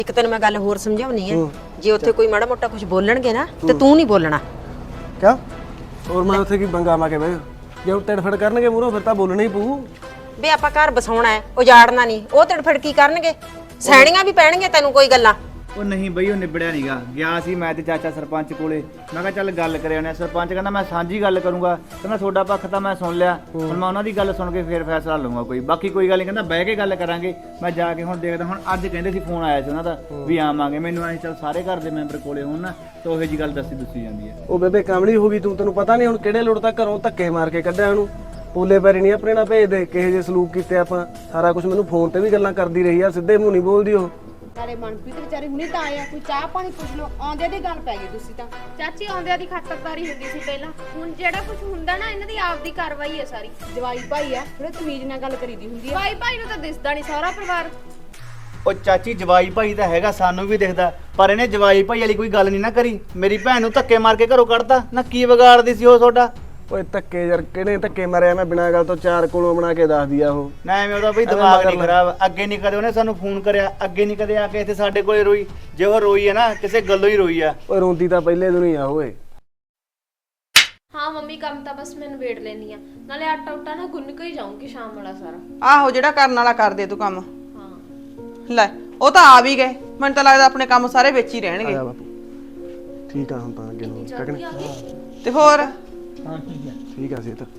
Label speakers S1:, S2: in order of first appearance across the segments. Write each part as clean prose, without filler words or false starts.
S1: ਇੱਕ ਤੈਨੂੰ ਮੈਂ ਗੱਲ ਹੋਰ ਸਮਝਾਉਣੀ ਹੈ, ਜੇ ਉੱਥੇ ਕੋਈ ਮਾੜਾ ਮੋਟਾ ਕੁਝ ਬੋਲਣਗੇ ਨਾ ਤੇ ਤੂੰ ਨਹੀਂ ਬੋਲਣਾ।
S2: ਕਿਆ ਹੋਰ ਮੈਂ ਉੱਥੇ ਕੀ ਬੰਗਾ ਮਾ ਕੇ ਬਹਿ ਜੇ ਉਹ ਟਿੜਫੜ ਕਰਨਗੇ ਮੂਹਰੋਂ ਫਿਰ ਤਾਂ ਬੋਲਣਾ ਹੀ ਪਊ।
S1: ਵੇ ਆਪਾਂ ਘਰ ਬਸਾਉਣਾ ਹੈ, ਉਜਾੜਨਾ ਨਹੀਂ। ਉਹ ਤੜਫੜ ਕੀ ਕਰਨਗੇ, ਸਹਿਣੀਆਂ ਵੀ ਪੈਣਗੇ ਤੈਨੂੰ ਕੋਈ ਗੱਲਾਂ।
S3: ਉਹ ਨਹੀਂ ਬਈ ਉਹ ਨਿਬੜਿਆ ਨਹੀਂਗਾ। ਗਿਆ ਸੀ ਮੈਂ ਤੇ ਚਾਚਾ ਸਰਪੰਚ ਕੋਲੇ, ਮੈਂ ਕਿਹਾ ਚੱਲ ਗੱਲ ਕਰਿਆ ਉਹਨੇ। ਸਰਪੰਚ ਕਹਿੰਦਾ ਮੈਂ ਸਾਂਝੀ ਗੱਲ ਕਰੂੰਗਾ, ਕਹਿੰਦਾ ਤੁਹਾਡਾ ਪੱਖ ਤਾਂ ਮੈਂ ਸੁਣ ਲਿਆ, ਹੁਣ ਮੈਂ ਉਹਨਾਂ ਦੀ ਗੱਲ ਸੁਣ ਕੇ ਫੇਰ ਫੈਸਲਾ ਲਵਾਂਗਾ ਕੋਈ। ਬਾਕੀ ਕੋਈ ਗੱਲ ਨਹੀਂ, ਕਹਿੰਦਾ ਬਹਿ ਕੇ ਗੱਲ ਕਰਾਂਗੇ। ਮੈਂ ਜਾ ਕੇ ਹੁਣ ਦੇਖਦਾ। ਹੁਣ ਅੱਜ ਕਹਿੰਦੇ ਸੀ ਫੋਨ ਆਇਆ ਸੀ ਉਹਨਾਂ ਦਾ ਵੀ ਆਵਾਂਗੇ। ਮੈਨੂੰ ਐਂ ਚੱਲ ਸਾਰੇ ਘਰ ਦੇ ਮੈਂਬਰ ਕੋਲੇ ਹੋਣ ਨਾ ਤਾਂ ਉਹੋ ਜੀ ਗੱਲ ਦੱਸੀ ਜਾਂਦੀ ਹੈ।
S2: ਉਹ ਬੇਬੇ ਕਾਮੜੀ ਹੋ ਗਈ ਤੂੰ, ਤੈਨੂੰ ਪਤਾ ਨਹੀਂ ਹੁਣ ਕਿਹੜੇ ਲੋੜ ਤੱਕ ਘਰੋਂ ਧੱਕੇ ਮਾਰ ਕੇ ਕੱਢਿਆ ਉਹਨੂੰ। ਪੋਲੇ ਪੈਰੀ ਨਹੀਂ ਆਪਣੇ ਨਾਲ ਭੇਜਦੇ, ਕਿਹੋ ਜਿਹੇ ਸਲੂਕ ਕੀਤੇ ਆਪਾਂ। ਸਾਰਾ ਕੁਝ ਮੈਨੂੰ ਫੋਨ ਤੇ ਵੀ ਗੱਲਾਂ ਕਰਦੀ ਰਹੀ ਆ, ਸਿੱਧੇ ਮੂੰਹ ਨਹੀਂ ਬੋਲਦੀ ਉਹ।
S4: ਸਾਰੇ ਮਨਪ੍ਰੀਤ ਵਿਚਾਰੇ ਹੁਣੇ ਤਾਂ ਆਇਆ, ਕੋਈ ਚਾਹ ਪਾਣੀ ਪੁੱਛ ਲਓ। ਆਉਂਦਿਆਂ ਦੀ ਗੱਲ ਪੈ ਗਈ ਤੁਸੀਂ ਤਾਂ।
S5: ਚਾਚੀ ਆਉਂਦਿਆਂ ਦੀ ਖਾਤਰਦਾਰੀ ਹੁੰਦੀ ਸੀ ਪਹਿਲਾਂ, ਹੁਣ ਜਿਹੜਾ ਕੁਝ ਹੁੰਦਾ ਨਾ ਇਹਨਾਂ ਦੀ ਆਪਦੀ ਕਾਰਵਾਈ ਹੈ ਸਾਰੀ।
S4: ਜਵਾਈ ਭਾਈ ਆ, ਥੋੜੇ ਤਮੀਜ਼ ਨਾਲ ਗੱਲ ਕਰੀਦੀ ਹੁੰਦੀ ਆ।
S5: ਭਾਈ ਭਾਈ ਨੂੰ ਤਾਂ ਦਿਸਦਾ ਨਹੀਂ ਸਾਰਾ ਪਰਿਵਾਰ।
S3: ਉਹ ਚਾਚੀ ਜਵਾਈ ਭਾਈ ਤਾਂ ਹੈਗਾ, ਸਾਨੂੰ ਵੀ ਦਿਖਦਾ, ਪਰ ਇਹਨੇ ਜਵਾਈ ਭਾਈ ਵਾਲੀ ਕੋਈ ਗੱਲ ਨਹੀਂ ਨਾ ਕਰੀ। ਮੇਰੀ ਭੈਣ ਨੂੰ ਧੱਕੇ ਮਾਰ ਕੇ ਘਰੋਂ ਕੱਢਤਾ ਨਾ। ਕੀ ਵਿਗਾੜਦੀ ਸੀ ਉਹ ਤੁਹਾਡਾ?
S2: ਓਏ ਧੱਕੇ ਯਾਰ ਕਿਹੜੇ ਧੱਕੇ ਮਾਰਿਆ? ਮੈਂ ਬਿਨਾਂ ਗੱਲ ਤੋਂ ਚਾਰ ਕੋਲੋਂ ਬਣਾ ਕੇ ਦੱਸ ਦਿਆ ਉਹ।
S3: ਨਾ ਐਵੇਂ ਉਹਦਾ ਬਈ ਦਿਮਾਗ ਨਹੀਂ ਖਰਾਬ। ਅੱਗੇ ਨਹੀਂ ਕਦੇ ਉਹਨੇ ਸਾਨੂੰ ਫੋਨ ਕਰਿਆ, ਅੱਗੇ ਨਹੀਂ ਕਦੇ ਆ ਕੇ ਇੱਥੇ ਸਾਡੇ ਕੋਲੇ ਰੋਈ। ਜੇ ਉਹ ਰੋਈ ਹੈ ਨਾ ਕਿਸੇ ਗੱਲੋਂ ਹੀ ਰੋਈ ਆ।
S2: ਓਏ ਰੋਂਦੀ ਤਾਂ ਪਹਿਲੇ ਦਿਨ ਹੀ ਆ ਓਏ।
S5: ਹਾਂ ਮੰਮੀ ਕੰਮ ਤਾਂ ਬਸ ਮੈਂ ਨਿਬੇੜ ਲੈਣੀ ਆ, ਨਾਲੇ ਆਟਾ ਉਟਾ ਨਾ ਗੁੰਨ ਕੇ ਹੀ ਜਾਊਂਗੀ ਸ਼ਾਮ ਵਾਲਾ ਸਾਰਾ।
S6: ਆਹੋ ਜਿਹੜਾ ਕਰਨ ਵਾਲਾ ਕਰ ਦੇ ਤੂੰ ਕੰਮ।
S5: ਹਾਂ
S6: ਲੈ ਉਹ ਤਾਂ ਆ ਵੀ ਗਏ, ਮੈਨੂੰ ਤਾਂ ਲੱਗਦਾ ਆਪਣੇ ਕੰਮ ਸਾਰੇ ਵਿੱਚ ਹੀ ਰਹਿਣਗੇ।
S2: ਆ ਬਾਪੂ ਠੀਕ ਆ ਹੁਣ ਤਾਂ ਅੱਗੇ ਨੂੰ
S5: ਜਲਦੀ ਆ ਗਈ।
S6: ਤੇ ਹੋਰ
S3: ਹਾਂ ਠੀਕ ਹੈ।
S2: ਠੀਕ ਆ ਸੀ ਤਾਂ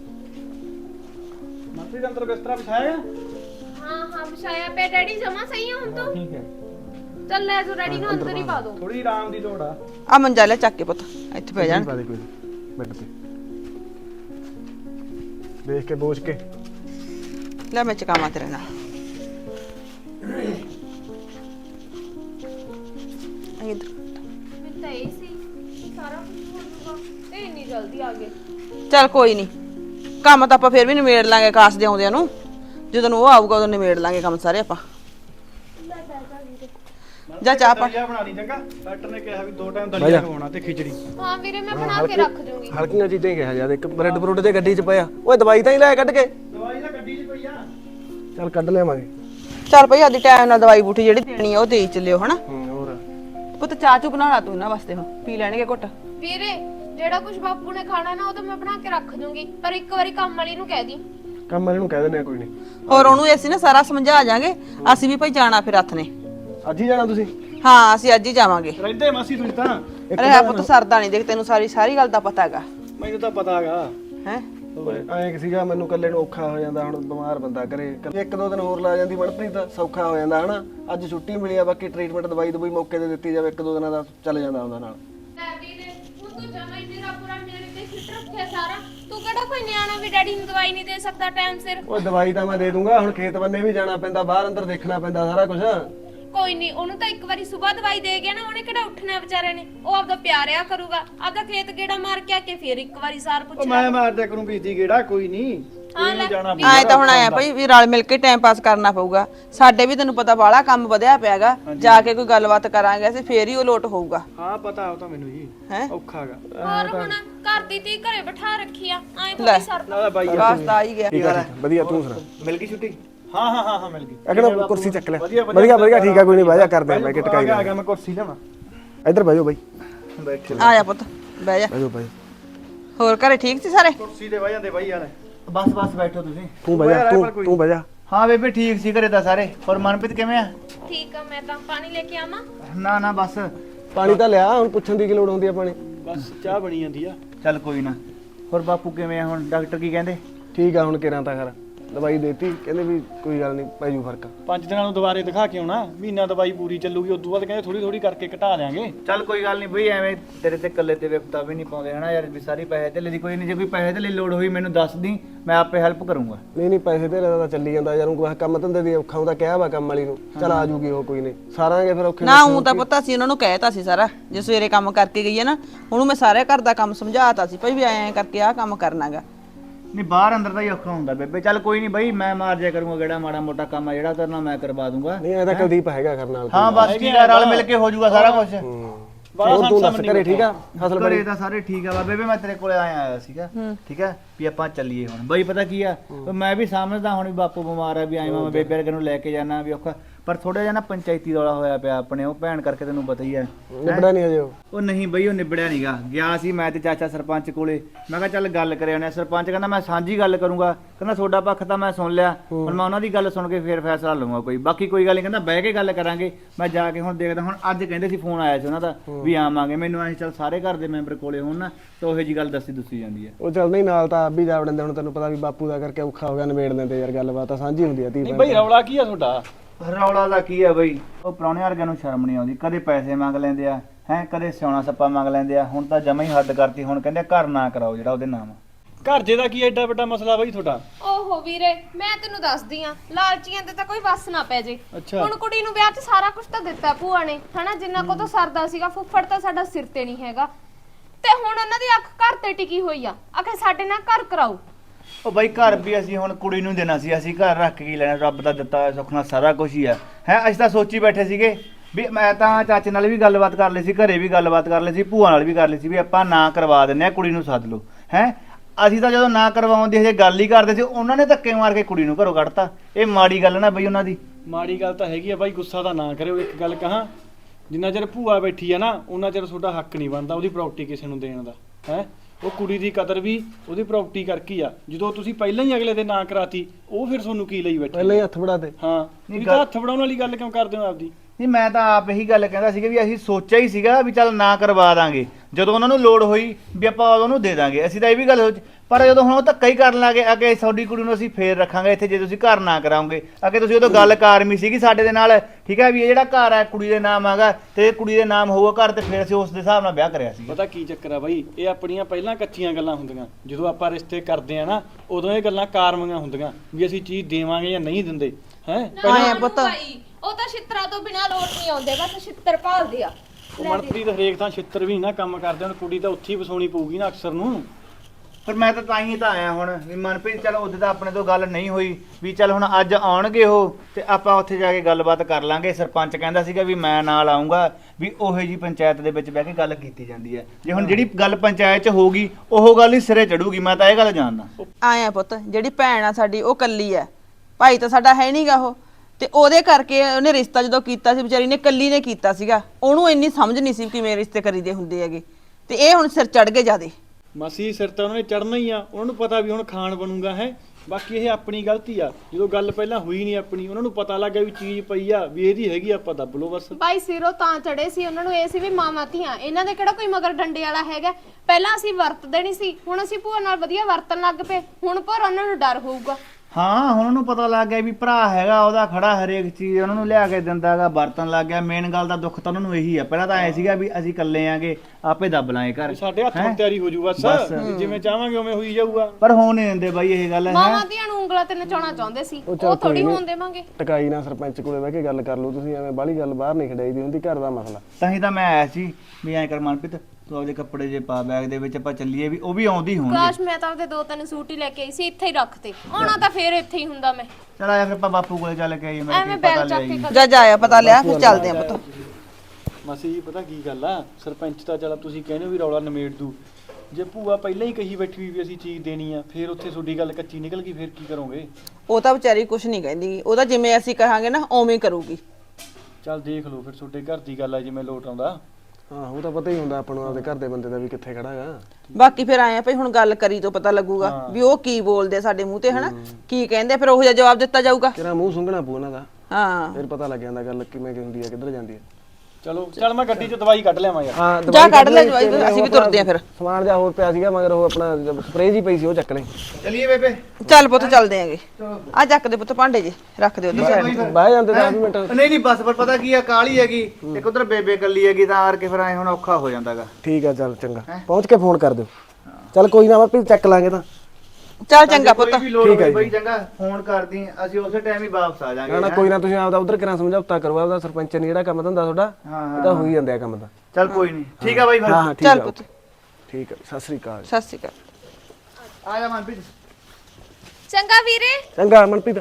S3: ਮੰਤਰੀ ਅੰਦਰ ਬਿਸਤਰਾ ਵਿਛਾਇਆ?
S5: ਹਾਂ ਹਾਂ ਵਿਛਾਇਆ ਪਿਆ ਡੈਡੀ, ਜਮਾ ਸਹੀ ਆ ਹੁਣ ਤੋਂ।
S3: ਠੀਕ ਹੈ।
S5: ਚੱਲ ਲੈ ਜੋ ਡੈਡੀ ਨੂੰ ਅੰਦਰ ਹੀ ਪਾ ਦੋ।
S3: ਥੋੜੀ ਆਰਾਮ ਦੀ ਲੋੜ ਆ।
S6: ਆ ਮੰਜਾ ਲੈ ਚੱਕ ਕੇ ਪੁੱਤ, ਇੱਥੇ ਪੈ ਜਾਣ।
S2: ਪਾ ਦੇ ਕੋਈ ਬੈੱਡ ਤੇ ਦੇਖ ਕੇ ਬੋਝ ਕੇ।
S6: ਲੈ ਮੈਂ ਚਕਾਵਾਂ ਤੇਰੇ ਨਾਲ। ਇਧਰ
S5: ਮੈਨੂੰ ਤਾਂ ਇਹ ਸੀ ਸਾਰਾ ਕੁਝ ਹੋ ਜਾਊਗਾ ਤੇ ਇੰਨੀ ਜਲਦੀ ਆ ਗਏ।
S6: ਚੱਲ ਕੋਈ ਨਹੀਂ, ਕੰਮ ਤਾਂ ਆਪਾਂ ਫੇਰ ਵੀ ਨਿਮੇੜ ਲਾਂਗੇ ਕਾਸ ਦੇ ਆਉਂਦਿਆਂ ਨੂੰ। ਜਦੋਂ ਉਹ ਆਊਗਾ ਉਦੋਂ ਨਿਮੇੜ ਲਾਂਗੇ ਕੰਮ ਸਾਰੇ ਆਪਾਂ। ਜਾ ਚਾਹ ਪਾ।
S3: ਦਲੀਆ ਬਣਾ ਲਈ ਚੰਗਾ। ਡਾਕਟਰ ਨੇ ਕਿਹਾ ਵੀ 2 ਟਾਈਮ ਦਲੀਆ ਖਵਾਉਣਾ ਤੇ ਖਿਚੜੀ।
S5: ਹਾਂ ਵੀਰੇ ਮੈਂ ਬਣਾ ਕੇ ਰੱਖ ਦੂੰਗੀ।
S2: ਹਲਕੀਆਂ ਚੀਜ਼ਾਂ ਹੀ ਕਿਹਾ ਯਾਰ। ਇੱਕ ਬ੍ਰੈਡ ਬਰੂਡ ਤੇ ਗੱਡੀ 'ਚ ਪਿਆ। ਓਏ ਦਵਾਈ ਤਾਂ ਹੀ ਲੈ ਕੱਢ ਕੇ।
S3: ਦਵਾਈ ਤਾਂ ਗੱਡੀ 'ਚ ਪਈ ਆ।
S2: ਚੱਲ ਕੱਢ ਲਿਆਵਾਂਗੇ।
S6: ਚੱਲ ਭਈ ਆਦੀ ਟਾਈਮ ਨਾਲ ਦਵਾਈ ਬੂਟੀ ਜਿਹੜੀ ਦੇਣੀ ਆ ਉਹ ਦੇ ਚੱਲਿਓ ਹਨਾ।
S2: ਹੋਰ
S6: ਪੁੱਤ ਚਾਹ ਚੂ ਬਣਾ ਲਾ ਤੂੰ ਇਹਨਾਂ ਵਾਸਤੇ, ਹੁਣ ਪੀ ਲੈਣਗੇ ਘੁੱਟ।
S5: ਵੀਰੇ ਜਿਹੜਾ ਕੁਝ ਬਾਪੂ ਨੇ ਖਾਣਾ ਨਾ ਉਹ ਤਾਂ ਮੈਂ ਬਣਾ ਕੇ ਰੱਖ ਦੂੰਗੀ, ਪਰ ਇੱਕ ਵਾਰੀ ਕੰਮ ਵਾਲੀ ਨੂੰ ਕਹਿ ਦੀ।
S2: ਕੰਮ ਵਾਲੇ ਨੂੰ ਕਹਿ ਦਿੰਦੇ ਆ ਕੋਈ ਨਹੀਂ।
S6: ਹੋਰ ਉਹਨੂੰ ਅਸੀਂ ਨਾ ਸਾਰਾ ਸਮਝਾ ਜਾਾਂਗੇ। ਅਸੀਂ ਵੀ ਭਾਈ ਜਾਣਾ ਫਿਰ ਹੱਥ ਨੇ।
S2: ਅੱਜ ਹੀ ਜਾਣਾ ਤੁਸੀਂ?
S6: ਹਾਂ ਅਸੀਂ ਅੱਜ ਹੀ ਜਾਵਾਂਗੇ।
S3: ਰਹਿੰਦੇ ਮਾਸੀ ਤੁਸੀਂ ਤਾਂ।
S6: ਅਰੇ ਪੁੱਤ ਸਰਦਾ ਨਹੀਂ, ਦੇਖ ਤੈਨੂੰ ਸਾਰੀ ਗੱਲ ਦਾ ਪਤਾ ਹੈਗਾ
S3: ਮੈਨੂੰ ਤਾਂ ਪਤਾ ਹੈਗਾ।
S6: ਹੈ।
S2: ਐਂ ਕਿ ਸੀਗਾ ਮੈਨੂੰ ਇਕੱਲੇ ਨੂੰ ਔਖਾ ਹੋ ਜਾਂਦਾ। ਹੁਣ ਬਿਮਾਰ ਬੰਦਾ ਕਰੇ, 1-2 ਦਿਨ ਹੋਰ ਲਾ ਜਾਂਦੀ ਮਨਪ੍ਰੀਤ ਤਾਂ ਸੌਖਾ ਹੋ ਜਾਂਦਾ ਹਨਾ। ਅੱਜ ਛੁੱਟੀ ਮਿਲੀ ਆ, ਬਾਕੀ ਟ੍ਰੀਟਮੈਂਟ ਦਵਾਈ ਮੌਕੇ ਤੇ ਦਿੱਤੀ ਜਾਵੇ। 1-2 ਦਿਨਾਂ ਦਾ ਚੱਲ ਜਾਂਦਾ ਉਹਨਾਂ ਨਾਲ।
S5: ਲੈ ਵੀਰੇ ਹੁਣ ਤੂੰ ਜਮਾ ਹੀ ਤੇਰਾ ਪੂਰਾ ਮੇਰੇ ਤੇ ਸਿੱਟ ਰੱਖਿਆ ਸਾਰਾ। ਤੂੰ ਕਿਹੜਾ ਕੋਈ ਨਿਆਣਾ ਵੀ ਡੈਡੀ ਨੂੰ ਦਵਾਈ ਨਹੀਂ ਦੇ ਸਕਦਾ ਟਾਈਮ ਸਿਰ?
S2: ਉਹ ਦਵਾਈ ਤਾਂ ਮੈਂ ਦੇ ਦੂੰਗਾ। ਹੁਣ ਖੇਤ ਬੰਨੇ ਵੀ ਜਾਣਾ ਪੈਂਦਾ, ਬਾਹਰ ਅੰਦਰ ਦੇਖਣਾ ਪੈਂਦਾ ਸਾਰਾ ਕੁਝ।
S5: ਕੋਈ ਨਹੀਂ, ਉਹਨੂੰ ਤਾਂ ਇੱਕ ਵਾਰੀ ਸਵੇਰ ਦਵਾਈ ਦੇ ਗਿਆ ਨਾ, ਉਹਨੇ ਕਿਹੜਾ ਉੱਠਣਾ ਵਿਚਾਰੇ ਨੇ। ਉਹ ਆਪਦਾ ਪਿਆਰਿਆ ਕਰੂਗਾ, ਆਪਦਾ ਖੇਤ ਗੇੜਾ ਮਾਰ ਕੇ ਆ ਕੇ ਫੇਰ ਇੱਕ ਵਾਰੀ ਸਾਰ ਪੁੱਛ ਲੈ।
S3: ਮੈਂ ਮਾਰ ਦਿਆ ਕਰੂੰ ਬੀਤੀ ਗੇੜਾ, ਕੋਈ ਨਹੀਂ।
S5: ਹਾਂ ਲੈ
S6: ਐ ਤਾਂ ਹੁਣ ਆਇਆ ਭਾਈ ਵੀ ਰਲ ਮਿਲ ਕੇ ਟਾਈਮ ਪਾਸ ਕਰਨਾ ਪਊਗਾ। ਸਾਡੇ ਵੀ ਤੈਨੂੰ ਪਤਾ ਬਾਹਲਾ ਕੰਮ ਵਧਿਆ ਪਿਆਗਾ। ਜਾ ਕੇ ਕੋਈ ਗੱਲਬਾਤ ਕਰਾਂਗੇ ਅਸੀਂ, ਫੇਰ ਹੀ ਉਹ ਲੋਟ ਹੋਊਗਾ।
S3: ਹਾਂ ਪਤਾ ਉਹ ਤਾਂ ਮੈਨੂੰ ਜੀ।
S6: ਹੈ
S3: ਔਖਾ ਹੈਗਾ।
S5: ਹੋਰ ਹੁਣ ਘਰ ਦੀ ਤੀ ਘਰੇ ਬਿਠਾ ਰੱਖੀ ਆ, ਐਂ
S6: ਲੈ।
S5: ਥੋੜੀ ਸਰਦਾ।
S3: ਨਾਲੇ ਬਾਈ
S6: ਵਾਸਤਾ ਆ ਹੀ ਗਿਆ।
S2: ਠੀਕ ਆ ਵਧੀਆ। ਤੂੰ ਸੁਣਾ?
S3: ਮਿਲ ਗਈ ਛੁੱਟੀ? ਹਾਂ ਮਿਲ ਗਈ।
S2: ਅਗਲਾ ਕੁਰਸੀ ਚੱਕ ਲੈ। ਵਧੀਆ ਠੀਕ ਆ, ਕੋਈ ਨਹੀਂ। ਬਾਜਾ ਕਰਦੇ ਆ, ਮੈਂ ਕਿ ਟਕਾਈ
S3: ਆ ਗਿਆ। ਮੈਂ ਕੁਰਸੀ ਲਿਆਵਾਂ।
S2: ਇੱਧਰ ਬਹਿ ਜਾਓ ਬਾਈ।
S3: ਬੈਠੇ
S6: ਆ ਜਾ ਪੁੱਤ ਬਹਿ ਜਾ।
S2: ਬਹਿ ਜਾਓ ਬਾਈ।
S6: ਹੋਰ ਘਰੇ ਠੀਕ ਸੀ ਸਾਰੇ?
S3: ਕੁਰਸੀ ਤੇ ਬਹਿ ਜਾਂਦੇ ਬਾਈ ਯਾਰ। ਬਸ ਬੈਠੋ ਤੁਸੀਂ।
S2: ਤੂੰ ਬਹਿ ਜਾ। ਤੂੰ ਬਹਿ ਜਾ।
S3: ਹਾਂ ਬੇਬੇ ਠੀਕ ਸੀ ਘਰੇ ਤਾਂ ਸਾਰੇ। ਹੋਰ ਮਨਪ੍ਰੀਤ ਕਿਵੇਂ ਆ?
S5: ਠੀਕ ਆ, ਮੈਂ ਤਾਂ ਪਾਣੀ ਲੈ ਕੇ ਆਵਾਂ?
S3: ਨਾ ਬਸ
S2: ਪਾਣੀ ਤਾਂ ਲਿਆ, ਹੁਣ ਪੁੱਛਣ ਦੀ ਕੀ ਲੋੜ ਹੁੰਦੀ ਆ? ਪਾਣੀ
S3: ਬਸ ਚਾਹ ਬਣੀ ਜਾਂਦੀ ਆ। ਚੱਲ ਕੋਈ ਨਾ। ਹੋਰ ਬਾਪੂ ਕਿਵੇਂ ਆ ਹੁਣ? ਡਾਕਟਰ ਕੀ ਕਹਿੰਦੇ?
S2: ਠੀਕ ਆ ਹੁਣ ਕਿਰਾਂ ਤਾਂ ਖਰ ਦਵਾਈ ਦੇਤੀ, ਕਹਿੰਦੇ ਵੀ ਕੋਈ ਗੱਲ ਨਹੀਂ ਪੈ ਜੂ ਫਰਕ।
S7: 5 ਦਿਨਾਂ ਨੂੰ ਦੁਬਾਰੇ ਦਿਖਾ ਕੇ ਆਉਣਾ, ਮਹੀਨਾ ਦਵਾਈ ਪੂਰੀ ਚੱਲੂਗੀ। ਉਦੋਂ ਬਾਅਦ ਕਹਿੰਦੇ ਥੋੜੀ ਘਟਾ ਘਟਾ ਦਿਆਂਗੇ।
S3: ਚੱਲ ਕੋਈ ਗੱਲ ਨਹੀਂ ਬਈ, ਐਵੇਂ ਤੇਰੇ ਤੇ ਇਕੱਲੇ ਤੇ ਵਿਪਤਾ ਵੀ ਨਹੀਂ ਪਾਉਂਦੇ ਹਨਾ ਯਾਰ। ਵੀ ਸਾਰੀ ਪੈਸੇ ਤੇ ਦੀ ਕੋਈ ਨਹੀਂ। ਜੇ ਕੋਈ ਪੈਸੇ ਤੇ ਲੋੜ ਹੋਈ ਮੈਨੂੰ ਦੱਸ ਦੀ, ਮੈਂ ਆਪੇ ਹੈਲਪ ਕਰੂੰਗਾ।
S2: ਨਹੀਂ ਪੈਸੇ ਤੇ ਤਾਂ ਚੱਲੀ ਜਾਂਦਾ ਯਾਰ। ਉਹ ਕੰਮ ਧੰਦੇ ਦੀ ਔਖਾ ਹੁੰਦਾ, ਕਿਹਾ ਵਾ ਕੰਮ ਵਾਲੀ ਨੂੰ। ਚੱਲ ਆ ਜੂਗੀ ਉਹ, ਕੋਈ ਨਹੀਂ। ਸਾਰਾਂਗੇ ਫਿਰ ਔਖੇ
S6: ਨਾ ਉਹ ਤਾਂ ਪਤਾ ਸੀ, ਉਹਨਾਂ ਨੂੰ ਕਹਿਤਾ ਸੀ ਸਾਰਾ। ਜੇ ਸਵੇਰੇ ਕੰਮ ਕਰਕੇ ਗਈ ਹੈ ਨਾ, ਉਹਨੂੰ ਮੈਂ ਸਾਰੇ ਘਰ ਦਾ ਕੰਮ ਸਮਝਾਤਾ ਸੀ ਭਾਈ ਵੀ ਐਂ ਕਰਕੇ ਆਹ ਕੰਮ ਕਰਨਾਗਾ।
S3: ਨਹੀਂ ਬਾਹਰ ਅੰਦਰ ਦਾ ਹੀ ਔਖਾ ਹੁੰਦਾ ਬੇਬੇ। ਚੱਲ ਕੋਈ ਨਹੀਂ ਬਈ, ਮੈਂ ਮਾਰ ਜਾ ਕਰੂੰਗਾ ਜਿਹੜਾ ਮਾੜਾ ਮੋਟਾ ਕੰਮ ਆ ਜਿਹੜਾ ਕਰਨਾ ਮੈਂ ਕਰਵਾ ਦੂੰਗਾ।
S2: ਨਹੀਂ ਐ ਤਾਂ ਕੁਲਦੀਪ ਹੈਗਾ ਕਰਨ ਨਾਲ।
S3: ਹਾਂ ਬਸ ਠੀਕ ਆ, ਰਲ ਮਿਲ ਕੇ ਹੋ ਜਾਊਗਾ ਸਾਰਾ ਕੁਝ।
S2: ਹੋਰ ਤੂੰ ਦੱਸ ਘਰੇ ਠੀਕ ਆ? ਫਸਲ
S3: ਘਰੇ ਤਾਂ ਸਾਰੇ ਠੀਕ ਆ ਬੇਬੇ। ਮੈਂ ਤੇਰੇ ਕੋਲੇ ਆਇਆ ਸੀਗਾ, ਠੀਕ ਆ ਵੀ ਆਪਾਂ ਚੱਲੀਏ ਹੁਣ। ਬਈ ਪਤਾ ਕੀ ਆ, ਮੈਂ ਵੀ ਸਮਝਦਾ ਹੁਣ ਵੀ ਬਾਪੂ ਬਿਮਾਰ ਆ, ਵੀ ਆਏ ਮੈਂ ਬੇਬੇ ਵਰਗੇ ਨੂੰ ਲੈ ਕੇ ਜਾਣਾ ਵੀ ਔਖਾ। ਪਰ ਥੋੜਾ ਜਿਹਾ ਨਾ ਪੰਚਾਇਤੀ ਰੌਲਾ ਹੋਇਆ ਪਿਆ ਆਪਣੇ, ਉਹ ਭੈਣ ਕਰਕੇ ਤੈਨੂੰ ਪਤਾ ਹੀ ਹੈ।
S2: ਨਿਬੜਾ ਨਹੀਂ ਹਜੇ
S3: ਉਹ ਨਹੀਂ ਬਈ, ਉਹ ਨਿਬੜਿਆ ਨਹੀਂਗਾ। ਗਿਆ ਸੀ ਮੈਂ ਤੇ ਚਾਚਾ ਸਰਪੰਚ ਕੋਲੇ, ਮੈਂ ਕਿਹਾ ਚੱਲ ਗੱਲ ਕਰਿਆ ਉਹਨੇ। ਸਰਪੰਚ ਕਹਿੰਦਾ ਮੈਂ ਸਾਂਝੀ ਗੱਲ ਕਰੂੰਗਾ, ਕਹਿੰਦਾ ਤੁਹਾਡਾ ਪੱਖ ਤਾਂ ਮੈਂ ਸੁਣ ਲਿਆ, ਹੁਣ ਮੈਂ ਉਹਨਾਂ ਦੀ ਗੱਲ ਸੁਣ ਕੇ ਫੇਰ ਫੈਸਲਾ ਲਵਾਂਗਾ ਕੋਈ। ਬਾਕੀ ਕੋਈ ਗੱਲ ਨਹੀਂ, ਕਹਿੰਦਾ ਬਹਿ ਕੇ ਗੱਲ ਕਰਾਂਗੇ। ਮੈਂ ਜਾ ਕੇ ਹੁਣ ਦੇਖਦਾ। ਹੁਣ ਅੱਜ ਕਹਿੰਦੇ ਸੀ ਫੋਨ ਆਇਆ ਸੀ ਉਹਨਾਂ ਦਾ ਵੀ ਆਵਾਂਗੇ। ਮੈਨੂੰ ਐਂ ਚੱਲ ਸਾਰੇ ਘਰ ਦੇ ਮੈਂਬਰ ਕੋਲੇ ਹੋਣ ਨਾ, ਤਾਂ ਉਹੋ ਜੀ ਗੱਲ ਦੱਸੀ ਜਾਂਦੀ ਹੈ।
S2: ਉਹ ਚੱਲ ਨਹੀਂ ਨਾਲ ਤਾਂ ਆਪ ਵੀ ਜਾ ਵੜਦੇ। ਹੁਣ ਤੈਨੂੰ ਪਤਾ ਵੀ ਬਾਪੂ ਦਾ ਕਰਕੇ ਔਖਾ ਹੋ ਗਿਆ, ਨਿਬੇੜ ਦਿੰਦੇ ਯਾਰ, ਗੱਲਬਾਤ ਤਾਂ ਸਾਂਝੀ ਹੁੰਦੀ ਆ।
S7: ਨਹੀਂ ਬਈ ਰੌਲਾ ਕੀ ਆ ਤੁਹਾਡਾ?
S3: ਰੌਲਾ ਦਾ ਕੀ ਹੈ ਬਈ, ਉਹ ਪ੍ਰਾਹੁਣੇ ਵਰਗਿਆਂ ਨੂੰ ਸ਼ਰਮ ਨਹੀਂ ਆਉਂਦੀ। ਕਦੇ ਪੈਸੇ ਮੰਗ ਲੈਂਦੇ ਆ ਹੈ, ਕਦੇ ਸਿਆਣਾ ਸੱਪਾ ਮੰਗ ਲੈਂਦੇ ਆ। ਹੁਣ ਤਾਂ ਜਮਾ ਹੀ ਹੱਦ ਕਰਤੀ। ਹੁਣ ਕਹਿੰਦੇ ਘਰ ਨਾ ਕਰਾਓ ਜਿਹੜਾ ਉਹਦੇ ਨਾਮ।
S7: ਘਰ ਜੇ ਦਾ ਕੀ ਐਡਾ ਵੱਡਾ ਮਸਲਾ ਬਈ ਤੁਹਾਡਾ?
S5: ਓਹੋ ਵੀਰੇ, ਮੈਂ ਤੈਨੂੰ ਦੱਸਦੀ ਆ, ਲਾਲਚੀਆਂ ਤੇ ਤਾਂ ਕੋਈ ਵੱਸ ਨਾ ਪੈ ਜੇ।
S7: ਅੱਛਾ।
S5: ਹੁਣ ਕੁੜੀ ਨੂੰ ਵਿਆਹ 'ਚ ਸਾਰਾ ਕੁਝ ਤਾਂ ਦਿੱਤਾ ਭੂਆ ਨੇ, ਹਨਾ, ਜਿੰਨਾ ਕੋ ਤਾਂ ਸਰਦਾ ਸੀਗਾ। ਫੁੱਫੜ ਤਾਂ ਸਾਡਾ ਸਿਰ ਤੇ ਨਹੀਂ ਹੈਗਾ, ਤੇ ਹੁਣ ਉਹਨਾਂ ਦੀ ਅੱਖ ਘਰ ਤੇ ਟਿਕੀ ਹੋਈ ਆ। ਆਖੇ ਸਾਡੇ ਨਾਲ ਘਰ ਕਰਾਓ।
S3: ਉਹ ਬਈ ਘਰ ਵੀ ਅਸੀਂ ਹੁਣ ਕੁੜੀ ਨੂੰ ਦੇਣਾ ਸੀ, ਅਸੀਂ ਘਰ ਰੱਖ ਕੇ ਲੈਣਾ। ਰੱਬ ਦਾ ਦਿੱਤਾ ਹੋਇਆ ਸੁੱਖ ਨਾਲ ਸਾਰਾ ਕੁਝ ਹੀ ਆ ਹੈ। ਅਸੀਂ ਤਾਂ ਸੋਚੀ ਬੈਠੇ ਸੀਗੇ ਵੀ, ਮੈਂ ਤਾਂ ਚਾਚੇ ਨਾਲ ਵੀ ਗੱਲਬਾਤ ਕਰ ਲਈ ਸੀ, ਘਰੇ ਵੀ ਗੱਲਬਾਤ ਕਰ ਲਈ ਸੀ, ਭੂਆ ਨਾਲ ਵੀ ਕਰ ਲਈ ਸੀ ਵੀ ਆਪਾਂ ਨਾ ਕਰਵਾ ਦਿੰਦੇ ਆ, ਕੁੜੀ ਨੂੰ ਸੱਦ ਲਓ ਹੈ। ਅਸੀਂ ਤਾਂ ਜਦੋਂ ਨਾ ਕਰਵਾਉਣ ਦੀ ਹਜੇ ਗੱਲ ਹੀ ਕਰਦੇ ਸੀ, ਉਹਨਾਂ ਨੇ ਧੱਕੇ ਮਾਰ ਕੇ ਕੁੜੀ ਨੂੰ ਘਰੋਂ ਕੱਢਤਾ। ਇਹ ਮਾੜੀ ਗੱਲ ਨਾ ਬਈ ਉਹਨਾਂ ਦੀ।
S7: ਮਾੜੀ ਗੱਲ ਤਾਂ ਹੈਗੀ ਆ ਬਾਈ, ਗੁੱਸਾ ਤਾਂ ਨਾ ਕਰਿਓ। ਇੱਕ ਗੱਲ ਕਹਾਂ, ਜਿੰਨਾ ਚਿਰ ਭੂਆ ਬੈਠੀ ਆ ਨਾ, ਉਹਨਾਂ ਚਿਰ ਤੁਹਾਡਾ ਹੱਕ ਨਹੀਂ ਬਣਦਾ ਉਹਦੀ ਪ੍ਰਾਪਰਟੀ ਕਿਸੇ ਨੂੰ ਦੇਣ ਦਾ ਹੈ। ਉਹ ਕੁੜੀ ਦੀ ਕਦਰ ਵੀ ਉਹਦੀ ਪ੍ਰਾਪਰਟੀ ਕਰਕੇ ਹੀ ਆ। ਜਦੋਂ ਤੁਸੀਂ ਪਹਿਲਾਂ ਹੀ ਅਗਲੇ ਦੇ ਨਾਂ ਕਰਾਤੀ, ਉਹ ਫਿਰ ਤੁਹਾਨੂੰ ਕੀ ਲਈ ਬੈਠੇ?
S2: ਪਹਿਲਾਂ ਹੀ ਹੱਥ ਫੜਾ ਤੇ।
S7: ਹਾਂ, ਤੁਸੀਂ ਤਾਂ ਹੱਥ ਫੜਾਉਣ ਵਾਲੀ ਗੱਲ ਕਿਉਂ ਕਰਦੇ ਹੋ ਆਪਦੀ?
S3: ਨਹੀਂ ਮੈਂ ਤਾਂ ਆਪ ਇਹੀ ਗੱਲ ਕਹਿੰਦਾ ਸੀਗਾ ਵੀ ਅਸੀਂ ਸੋਚਿਆ ਹੀ ਸੀਗਾ ਵੀ ਚੱਲ ਨਾ ਕਰਵਾ ਦਾਂਗੇ, ਜਦੋਂ ਉਹਨਾਂ ਨੂੰ ਲੋੜ ਹੋਈ ਵੀ ਆਪਾਂ ਉਹਨੂੰ ਦੇ ਦਾਂਗੇ। ਅਸੀਂ ਤਾਂ ਇਹ ਵੀ ਗੱਲ ਸੋਚ, ਪਰ ਜਦੋਂ ਹੁਣ ਉਹ ਧੱਕਾ ਹੀ ਕਰਨ ਲੱਗੇ, ਅੱਗੇ ਸਾਡੀ ਕੁੜੀ ਨੂੰ ਅਸੀਂ ਫੇਰ ਰੱਖਾਂਗੇ ਇੱਥੇ ਜੇ ਤੁਸੀਂ ਘਰ ਨਾ ਕਰਾਓਗੇ। ਅੱਗੇ ਤੁਸੀਂ ਉਦੋਂ ਗੱਲ ਕਾਰਮੀ ਸੀਗੀ ਸਾਡੇ ਦੇ ਨਾਲ, ਠੀਕ ਹੈ, ਵੀ ਇਹ ਜਿਹੜਾ ਘਰ ਹੈ ਕੁੜੀ ਦੇ ਨਾਮ ਆਗਾ ਤੇ ਕੁੜੀ ਦੇ ਨਾਮ ਹੋਊਗਾ ਘਰ, ਤੇ ਫਿਰ ਅਸੀਂ ਉਸ ਦੇ ਹਿਸਾਬ ਨਾਲ ਵਿਆਹ ਕਰਿਆ ਸੀ।
S7: ਪਤਾ ਕੀ ਚੱਕਰ ਆ ਬਾਈ, ਇਹ ਆਪਣੀਆਂ ਪਹਿਲਾਂ ਕੱਚੀਆਂ ਗੱਲਾਂ ਹੁੰਦੀਆਂ। ਜਦੋਂ ਆਪਾਂ ਰਿਸ਼ਤੇ ਕਰਦੇ ਆ ਨਾ, ਉਦੋਂ ਇਹ ਗੱਲਾਂ ਕਾਰਮੀਆਂ ਹੁੰਦੀਆਂ ਵੀ ਅਸੀਂ ਚੀਜ਼ ਦੇਵਾਂਗੇ ਜਾਂ ਨਹੀਂ ਦਿੰਦੇ ਹੈ।
S6: ਆਏ ਪੁੱਤ,
S5: ਉਹ ਤਾਂ ਛਿੱਤਰਾਂ ਤੋਂ ਬਿਨਾ ਲੋਟ ਨਹੀਂ ਆਉਂਦੇ, ਬਸ ਛਿੱਤਰ ਭਾਲਦੇ ਆ।
S7: ਮਨਪ੍ਰੀਤ ਹਰੇਕ ਤਾਂ ਛਿੱਤਰ ਵੀ ਨਾ ਕੰਮ ਕਰਦੇ। ਹੁਣ ਕੁੜੀ ਤਾਂ ਉੱਥੇ ਹੀ ਵਸਾਉਣੀ ਪਊਗੀ ਨਾ ਅਕਸਰ ਨੂੰ।
S3: ਪਰ ਮੈਂ ਤਾਂ ਹੀ ਤਾਂ ਆਇਆ ਹੁਣ ਵੀ ਮਨਪ੍ਰੀਤ, ਚੱਲ ਉਹਦੇ ਤਾਂ ਆਪਣੇ ਤੋਂ ਗੱਲ ਨਹੀਂ ਹੋਈ ਵੀ ਚੱਲ ਹੁਣ ਅੱਜ ਆਉਣਗੇ ਉਹ, ਤੇ ਆਪਾਂ ਉੱਥੇ ਜਾ ਕੇ ਗੱਲਬਾਤ ਕਰ ਲਾਂਗੇ। ਸਰਪੰਚ ਕਹਿੰਦਾ ਸੀਗਾ ਵੀ ਮੈਂ ਨਾਲ ਆਉਂਗਾ, ਵੀ ਉਹੇ ਜੀ ਪੰਚਾਇਤ ਦੇ ਵਿੱਚ ਬਹਿ ਕੇ ਗੱਲ ਕੀਤੀ ਜਾਂਦੀ ਹੈ। ਜੇ ਹੁਣ ਜਿਹੜੀ ਗੱਲ ਪੰਚਾਇਤ 'ਚ ਹੋਊਗੀ ਉਹ ਗੱਲ ਹੀ ਸਿਰੇ ਚੜੂਗੀ, ਮੈਂ ਤਾਂ ਇਹ ਗੱਲ ਜਾਣਦਾ।
S6: ਆਇਆ ਪੁੱਤ, ਜਿਹੜੀ ਭੈਣ ਆ ਸਾਡੀ ਉਹ ਕੱਲੀ ਆ, ਭਾਈ ਤਾਂ ਸਾਡਾ ਹੈ ਨਹੀਂਗਾ ਉਹ, ਤੇ ਉਹਦੇ ਕਰਕੇ ਉਹਨੇ ਰਿਸ਼ਤਾ ਜਦੋਂ ਕੀਤਾ ਸੀ ਵਿਚਾਰੀ ਨੇ ਕੱਲੀ ਨੇ ਕੀਤਾ ਸੀਗਾ। ਉਹਨੂੰ ਇੰਨੀ ਸਮਝ ਨਹੀਂ ਸੀ ਕਿ ਮੇਰੇ ਰਿਸ਼ਤੇ ਕਰੀਦੇ ਹੁੰਦੇ ਹੈਗੇ, ਤੇ ਇਹ ਹੁਣ ਸਿਰ ਚੜ ਗਏ ਜਿਆਦੇ।
S7: ਮਸੀ ਸਿਰ ਤਾਂ ਉਹਨਾਂ ਨੇ ਚੜਨਾ ਹੀ ਆ। ਉਹਨਾਂ ਨੂੰ ਪਤਾ ਵੀ ਹੁਣ ਖਾਣ ਬਣੂਗਾ ਹੈ। ਬਾਕੀ ਇਹ ਆਪਣੀ ਗਲਤੀ ਆ, ਜਦੋਂ ਗੱਲ ਪਹਿਲਾਂ ਹੋਈ ਨਹੀਂ ਆਪਣੀ, ਉਹਨਾਂ ਨੂੰ ਪਤਾ ਲੱਗਾ ਵੀ ਚੀਜ਼ ਪਈ ਆ, ਵੀ ਇਹਦੀ ਹੈਗੀ, ਆਪਾਂ ਦੱਬ ਲਓ ਬਸ।
S5: ਬਾਈ ਸਿਰੋਂ ਤਾਂ ਚੜੇ ਸੀ, ਉਹਨਾਂ ਨੂੰ ਇਹ ਸੀ ਵੀ ਮਾਵਾਂ ਧੀਆਂ, ਇਹਨਾਂ ਦੇ ਕਿਹੜਾ ਕੋਈ ਮਗਰ ਡੰਡੇ ਵਾਲਾ ਹੈਗਾ। ਪਹਿਲਾਂ ਅਸੀਂ ਵਰਤਦੇ ਨਹੀਂ ਸੀ, ਹੁਣ ਅਸੀਂ ਭੂਆ ਨਾਲ ਵਧੀਆ ਵਰਤਣ ਲੱਗ ਪਏ। ਹੁਣ ਪਰ ਉਹਨਾਂ ਨੂੰ ਡਰ ਹੋਊਗਾ।
S3: ਹਾਂ, ਹੁਣ ਉਹਨੂੰ ਪਤਾ ਲੱਗ ਗਿਆ ਵੀ ਭਰਾ ਹੈਗਾ ਉਹਦਾ ਖੜਾ, ਹਰੇਕ ਚੀਜ਼ ਉਹਨਾਂ ਨੂੰ ਲਿਆ ਕੇ ਦਿੰਦਾ ਹੈਗਾ, ਵਰਤਣ ਲੱਗ ਗਿਆ। ਮੇਨ ਗੱਲ ਦਾ ਦੁੱਖ ਤਾਂ ਉਹਨਾਂ ਨੂੰ ਇਹੀ ਆ। ਪਹਿਲਾਂ ਤਾਂ ਐ ਸੀਗਾ ਵੀ ਅਸੀਂ ਇਕੱਲੇ ਆਂਗੇ, ਆਪੇ ਦੱਬ ਲਾਂਗੇ ਘਰ,
S7: ਸਾਡੇ ਹੱਥ ਨੂੰ ਤਿਆਰੀ ਹੋ ਜੂ ਬਸ, ਜਿਵੇਂ ਚਾਹਾਂਗੇ ਉਵੇਂ ਹੋਈ ਜਾਊਗਾ।
S3: ਪਰ ਹੋਣ ਨਹੀਂ ਦਿੰਦੇ ਬਾਈ ਇਹ ਗੱਲ ਹੈ।
S5: ਮਾਵਾਂ ਧੀਆਂ ਨੂੰ ਉਂਗਲਾਂ ਤੇ ਨਚਾਉਣਾ ਚਾਹੁੰਦੇ ਸੀ, ਉਹ ਥੋੜੀ ਹੋਣ ਦੇਵਾਂਗੇ।
S2: ਟਕਾਈ ਨਾਲ ਸਰਪੰਚ ਕੋਲੇ ਬਹਿ ਕੇ ਗੱਲ ਕਰ ਲਓ ਤੁਸੀਂ, ਐਵੇਂ ਬਾਹਲੀ ਗੱਲ ਬਾਹਰ ਨਹੀਂ ਖੜਾਈ ਦੀ ਹੁੰਦੀ, ਘਰ ਦਾ ਮਸਲਾ।
S3: ਤਾਂ ਹੀ ਤਾਂ ਮੈਂ ਆਇਆ ਸੀ ਵੀ ਐਂ ਕਰ ਮਨਪ੍ਰੀਤ, ਤੂੰ ਆਪਦੇ ਕੱਪੜੇ ਜੇ ਪਾ ਬੈਗ ਦੇ ਵਿੱਚ, ਆਪਾਂ ਚੱਲੀਏ, ਵੀ ਉਹ ਵੀ ਆਉਂਦੀ ਹੋਣਗੇ।
S5: ਕਾਸ਼ ਮੈਂ ਤਾਂ ਉਹਦੇ 2-3 ਸੂਟ ਹੀ ਲੈ ਕੇ ਆਈ ਸੀ, ਇੱਥੇ ਹੀ ਰੱਖਤੇ। ਆਉਣਾ ਤਾਂ ਫੇਰ ਇੱਥੇ ਹੀ ਹੁੰਦਾ ਮੈਂ।
S3: ਚਲ ਆਇਆ ਫਿਰ ਆਪਾਂ ਬਾਪੂ ਕੋਲੇ ਚੱਲ ਕੇ ਆਈਏ, ਮੈਂ
S5: ਐਵੇਂ
S3: ਕੀ ਪਤਾ
S5: ਬੈਗ ਚੱਕ
S3: ਲਿਆਈ।
S5: ਕੇ
S6: ਜਾ ਆਇਆ ਪਤਾ ਲਿਆ, ਫਿਰ ਚੱਲਦੇ ਆ ਪੁੱਤ।
S7: ਮਾਸੀ ਜੀ ਪਤਾ ਕੀ ਗੱਲ ਆ, ਸਰਪੰਚ ਤਾਂ ਚਲ ਤੁਸੀਂ ਕਹਿੰਦੇ ਹੋ ਵੀ ਰੌਲਾ ਨਿਮੇੜ ਦੂ। ਜੇ ਭੂਆ ਪਹਿਲਾਂ ਹੀ ਕਹੀ ਬੈਠੀ ਵੀ ਅਸੀਂ ਚੀਜ਼ ਦੇਣੀ ਆ, ਫਿਰ ਉੱਥੇ ਤੁਹਾਡੀ ਗੱਲ ਕੱਚੀ ਨਿਕਲ ਗਈ, ਫਿਰ ਕੀ ਕਰੋਗੇ?
S6: ਉਹ ਤਾਂ ਵਿਚਾਰੀ ਕੁਝ ਨਹੀਂ ਕਹਿੰਦੀ, ਉਹ ਤਾਂ ਜਿਵੇਂ ਅਸੀਂ ਕਹਾਂਗੇ ਨਾ ਉਵੇਂ ਹੀ ਕਰੂਗੀ।
S7: ਚੱਲ ਦੇਖ ਲਓ ਫਿਰ, ਤੁਹਾਡੇ ਘਰ ਦੀ ਗੱਲ ਆ, ਜਿਵੇਂ ਲੋਟ ਆਉਂਦਾ।
S2: ਹਾਂ, ਉਹ ਤਾਂ ਪਤਾ ਹੀ ਹੁੰਦਾ ਆਪਾਂ ਨੂੰ ਆਪਦੇ ਘਰ ਦੇ ਬੰਦੇ ਦਾ ਵੀ ਕਿੱਥੇ ਖੜਾ ਹੈਗਾ।
S6: ਬਾਕੀ ਫਿਰ ਆਇਆ ਭਈ ਹੁਣ ਗੱਲ ਕਰੀ ਤੋਂ ਪਤਾ ਲੱਗੂਗਾ ਵੀ ਉਹ ਕੀ ਬੋਲਦੇ ਸਾਡੇ ਮੂੰਹ ਤੇ, ਹਨਾ ਕੀ ਕਹਿੰਦੇ, ਫਿਰ ਉਹ ਜਿਹਾ ਜਵਾਬ ਦਿੱਤਾ ਜਾਊਗਾ।
S2: ਤੇਰਾ ਮੂੰਹ ਸੁੰਘਣਾ ਪਊ ਉਹਨਾਂ ਦਾ,
S6: ਹਾਂ
S2: ਫਿਰ ਪਤਾ ਲੱਗ ਜਾਂਦਾ ਗੱਲ ਕਿਵੇਂ ਕੀ ਹੁੰਦੀ ਹੈ, ਕਿੱਧਰ ਜਾਂਦੀ ਹੈ।
S7: ਚਲੋ ਚੱਲ ਮੈਂ ਗੱਡੀ 'ਚ ਦਵਾਈ ਕੱਢ ਲਿਆਵਾਂ ਯਾਰ।
S2: ਹਾਂ,
S6: ਜਾ ਕੱਢ ਲੈ ਜਵਾਈ, ਅਸੀਂ ਵੀ ਤੁਰਦੇ ਆ ਫਿਰ।
S2: ਸਮਾਨ ਜਾ ਹੋਰ ਪਿਆ ਸੀਗਾ ਮਗਰ, ਉਹ ਆਪਣਾ ਸਪਰੇਅ ਜੀ ਪਈ ਸੀ, ਉਹ ਚੱਕ ਲੈ।
S3: ਚੱਲੀਏ ਬੇਬੇ।
S6: ਚੱਲ ਪੁੱਤ ਚੱਲਦੇ ਆਂਗੇ। ਆ ਚੱਕ ਦੇ ਪੁੱਤ ਭਾਂਡੇ ਜੇ, ਰੱਖ ਦੇ ਉਧਰ ਸਾਈਡ।
S2: ਬਾਹਰ ਜਾਂਦੇ 10 ਮਿੰਟ।
S3: ਨਹੀਂ ਨਹੀਂ ਬਸ, ਪਰ ਪਤਾ ਕੀ ਆ, ਕਾਲੀ ਹੈਗੀ, ਇੱਕ ਉਧਰ ਬੇਬੇ ਕੱਲੀ ਹੈਗੀ, ਤਾਂ ਆਰ ਕੇ ਫਿਰ ਐ ਹੁਣ ਔਖਾ ਹੋ ਜਾਂਦਾਗਾ।
S2: ਠੀਕ ਆ, ਚੱਲ ਚੰਗਾ, ਪਹੁੰਚ ਕੇ ਫੋਨ ਕਰ ਦਿਓ। ਚੱਲ ਕੋਈ ਨਾ, ਮੈਂ ਚੱਕ ਲਾਂਗੇ ਤਾਂ।
S6: ਚੱਲ ਚੰਗਾ ਪੁੱਤ।
S3: ਠੀਕ ਹੈ ਬਈ, ਚੰਗਾ ਫੋਨ ਕਰਦੀ, ਅਸੀਂ ਉਸੇ ਟਾਈਮ ਹੀ ਵਾਪਸ ਆ ਜਾਾਂਗੇ।
S2: ਨਾ ਕੋਈ ਨਾ, ਤੁਸੀਂ ਆਪਦਾ ਉਧਰ ਕਿਰਾਂ ਸਮਝੌਤਾ ਕਰੋ, ਆਪਦਾ ਸਰਪੰਚ ਨੇ ਜਿਹੜਾ ਕੰਮ ਧੰਦਾ ਤੁਹਾਡਾ, ਇਹ ਤਾਂ ਹੋ ਹੀ ਜਾਂਦਾ ਕੰਮ ਤਾਂ।
S3: ਚੱਲ ਕੋਈ ਨਹੀਂ, ਠੀਕ ਆ ਬਾਈ ਫਿਰ।
S2: ਹਾਂ
S6: ਚੱਲ ਪੁੱਤ,
S2: ਠੀਕ ਹੈ, ਸਤਿ ਸ੍ਰੀ ਅਕਾਲ।
S6: ਸਤਿ ਸ਼੍ਰੀ ਅਕਾਲ।
S3: ਆ ਜਾ ਮਨਪ੍ਰੀਤ।
S5: ਚੰਗਾ ਵੀਰੇ।
S2: ਚੰਗਾ ਮਨਪ੍ਰੀਤ।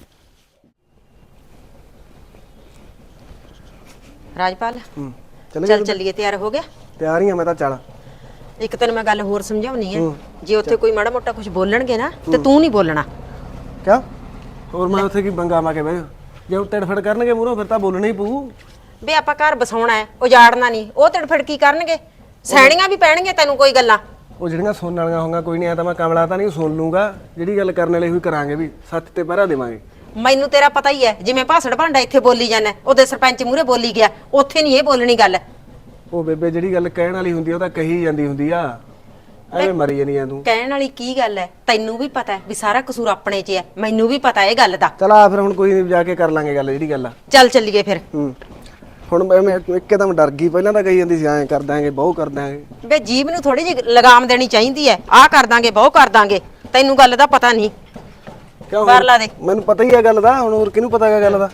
S1: ਰਾਜਪਾਲ,
S2: ਚੱਲ
S1: ਚੱਲ ਚੱਲੀਏ, ਤਿਆਰ ਹੋ ਗਿਆ?
S2: ਤਿਆਰ ਹੀ ਆ ਮੈਂ ਤਾਂ। ਚੱਲ
S1: ਇੱਕ ਤੈਨੂੰ ਮੈਂ ਗੱਲ ਹੋਰ ਸਮਝਾਉਣੀ ਹੈ, ਜੇ ਉੱਥੇ ਕੋਈ ਮਾੜਾ ਮੋਟਾ ਕੁਝ ਬੋਲਣਗੇ ਨਾ, ਤੇ ਤੂੰ ਨਹੀਂ ਬੋਲਣਾ।
S2: ਕਿਉਂ? ਹੋਰ ਮੈਂ ਉੱਥੇ ਕੀ ਬੰਗਾ ਮਾ ਕੇ ਬਹਿ ਜਾ? ਜੇ ਉਹ ਤੜਫੜ ਕਰਨਗੇ ਮੂਹਰੋਂ ਫਿਰ ਤਾਂ ਬੋਲਣਾ ਹੀ ਪਊ।
S1: ਵੀ ਆਪਾਂ ਘਰ ਬਸਾਉਣਾ ਹੈ, ਉਜਾੜਨਾ ਨਹੀਂ। ਉਹ ਤੜਫੜ ਕੀ ਕਰਨਗੇ? ਸਹਿਣੀਆਂ ਵੀ ਪੈਣਗੇ ਤੈਨੂੰ ਕੋਈ ਗੱਲਾਂ।
S2: ਉਹ ਜਿਹੜੀਆਂ ਸੁਣਨ ਵਾਲੀਆਂ ਹੋਣਗੀਆਂ ਕੋਈ ਨਹੀਂ, ਆ ਤਾਂ ਮੈਂ ਕਮਲਾ ਤਾਂ ਨਹੀਂ ਸੁਣ ਲੂੰਗਾ। ਜਿਹੜੀ ਗੱਲ ਕਰਨ ਵਾਲੇ ਹੋਈ ਕਰਾਂਗੇ, ਵੀ ਸੱਚ ਤੇ ਪਹਿਰਾ ਦੇਵਾਂਗੇ।
S1: ਮੈਨੂੰ ਤੇਰਾ ਪਤਾ ਹੀ ਹੈ, ਜਿਵੇਂ ਭਾਸੜ ਭਾਂਡਾ ਇੱਥੇ ਬੋਲੀ ਜਾਂਦਾ, ਉਹਦੇ ਸਰਪੰਚ ਮੂਹਰੇ ਬੋਲੀ ਗਿਆ, ਉੱਥੇ ਨਹੀਂ ਇਹ ਬੋਲਣੀ ਗੱਲ।
S2: ਉਹ ਬੇਬੇ ਜਿਹੜੀ ਗੱਲ ਕਹਿਣ ਵਾਲੀ ਹੁੰਦੀ ਆ ਉਹ ਤਾਂ ਕਹੀ ਜਾਂਦੀ ਹੁੰਦੀ ਆ, ਐਵੇਂ ਮਰੀ ਜਾਨੀ ਆ ਤੂੰ।
S1: ਕਹਿਣ ਵਾਲੀ ਕੀ ਗੱਲ ਹੈ? ਤੈਨੂੰ ਵੀ ਪਤਾ ਹੈ ਵੀ ਸਾਰਾ ਕਸੂਰ ਆਪਣੇ 'ਚ ਹੈ, ਮੈਨੂੰ ਵੀ ਪਤਾ ਇਹ ਗੱਲ ਦਾ।
S2: ਚਲ ਆ ਫਿਰ ਹੁਣ ਕੋਈ ਨਹੀਂ, ਜਾ ਕੇ ਕਰ ਲਾਂਗੇ ਗੱਲ ਜਿਹੜੀ ਗੱਲ ਆ।
S1: ਚੱਲ ਚੱਲੀਏ ਫਿਰ।
S2: ਹੁਣ ਮੈਂ ਇੱਕਦਮ ਡਰ ਗਈ, ਪਹਿਲਾਂ ਤਾਂ ਕਹੀ ਜਾਂਦੀ ਸੀ ਐਂ ਕਰ ਦਾਂਗੇ ਬਹੁ ਕਰ ਦਾਂਗੇ।
S1: ਵੇ ਜੀਭ ਨੂੰ ਥੋੜੀ ਜਿਹੀ ਲਗਾਮ ਦੇਣੀ ਚਾਹੀਦੀ ਹੈ। ਆਹ ਕਰ ਦਾਂਗੇ ਬਹੁ ਕਰ ਦਾਂਗੇ, ਤੈਨੂੰ ਗੱਲ ਦਾ ਪਤਾ ਨਹੀਂ।
S2: ਕਿਉਂ
S1: ਬਾਹਰ ਲਾ ਦੇ।
S2: ਮੈਨੂੰ ਪਤਾ ਹੀ ਆ ਗੱਲ ਦਾ, ਹੁਣ ਹੋਰ ਕਿਹਨੂੰ ਪਤਾ ਹੈਗਾ ਗੱਲ ਦਾ।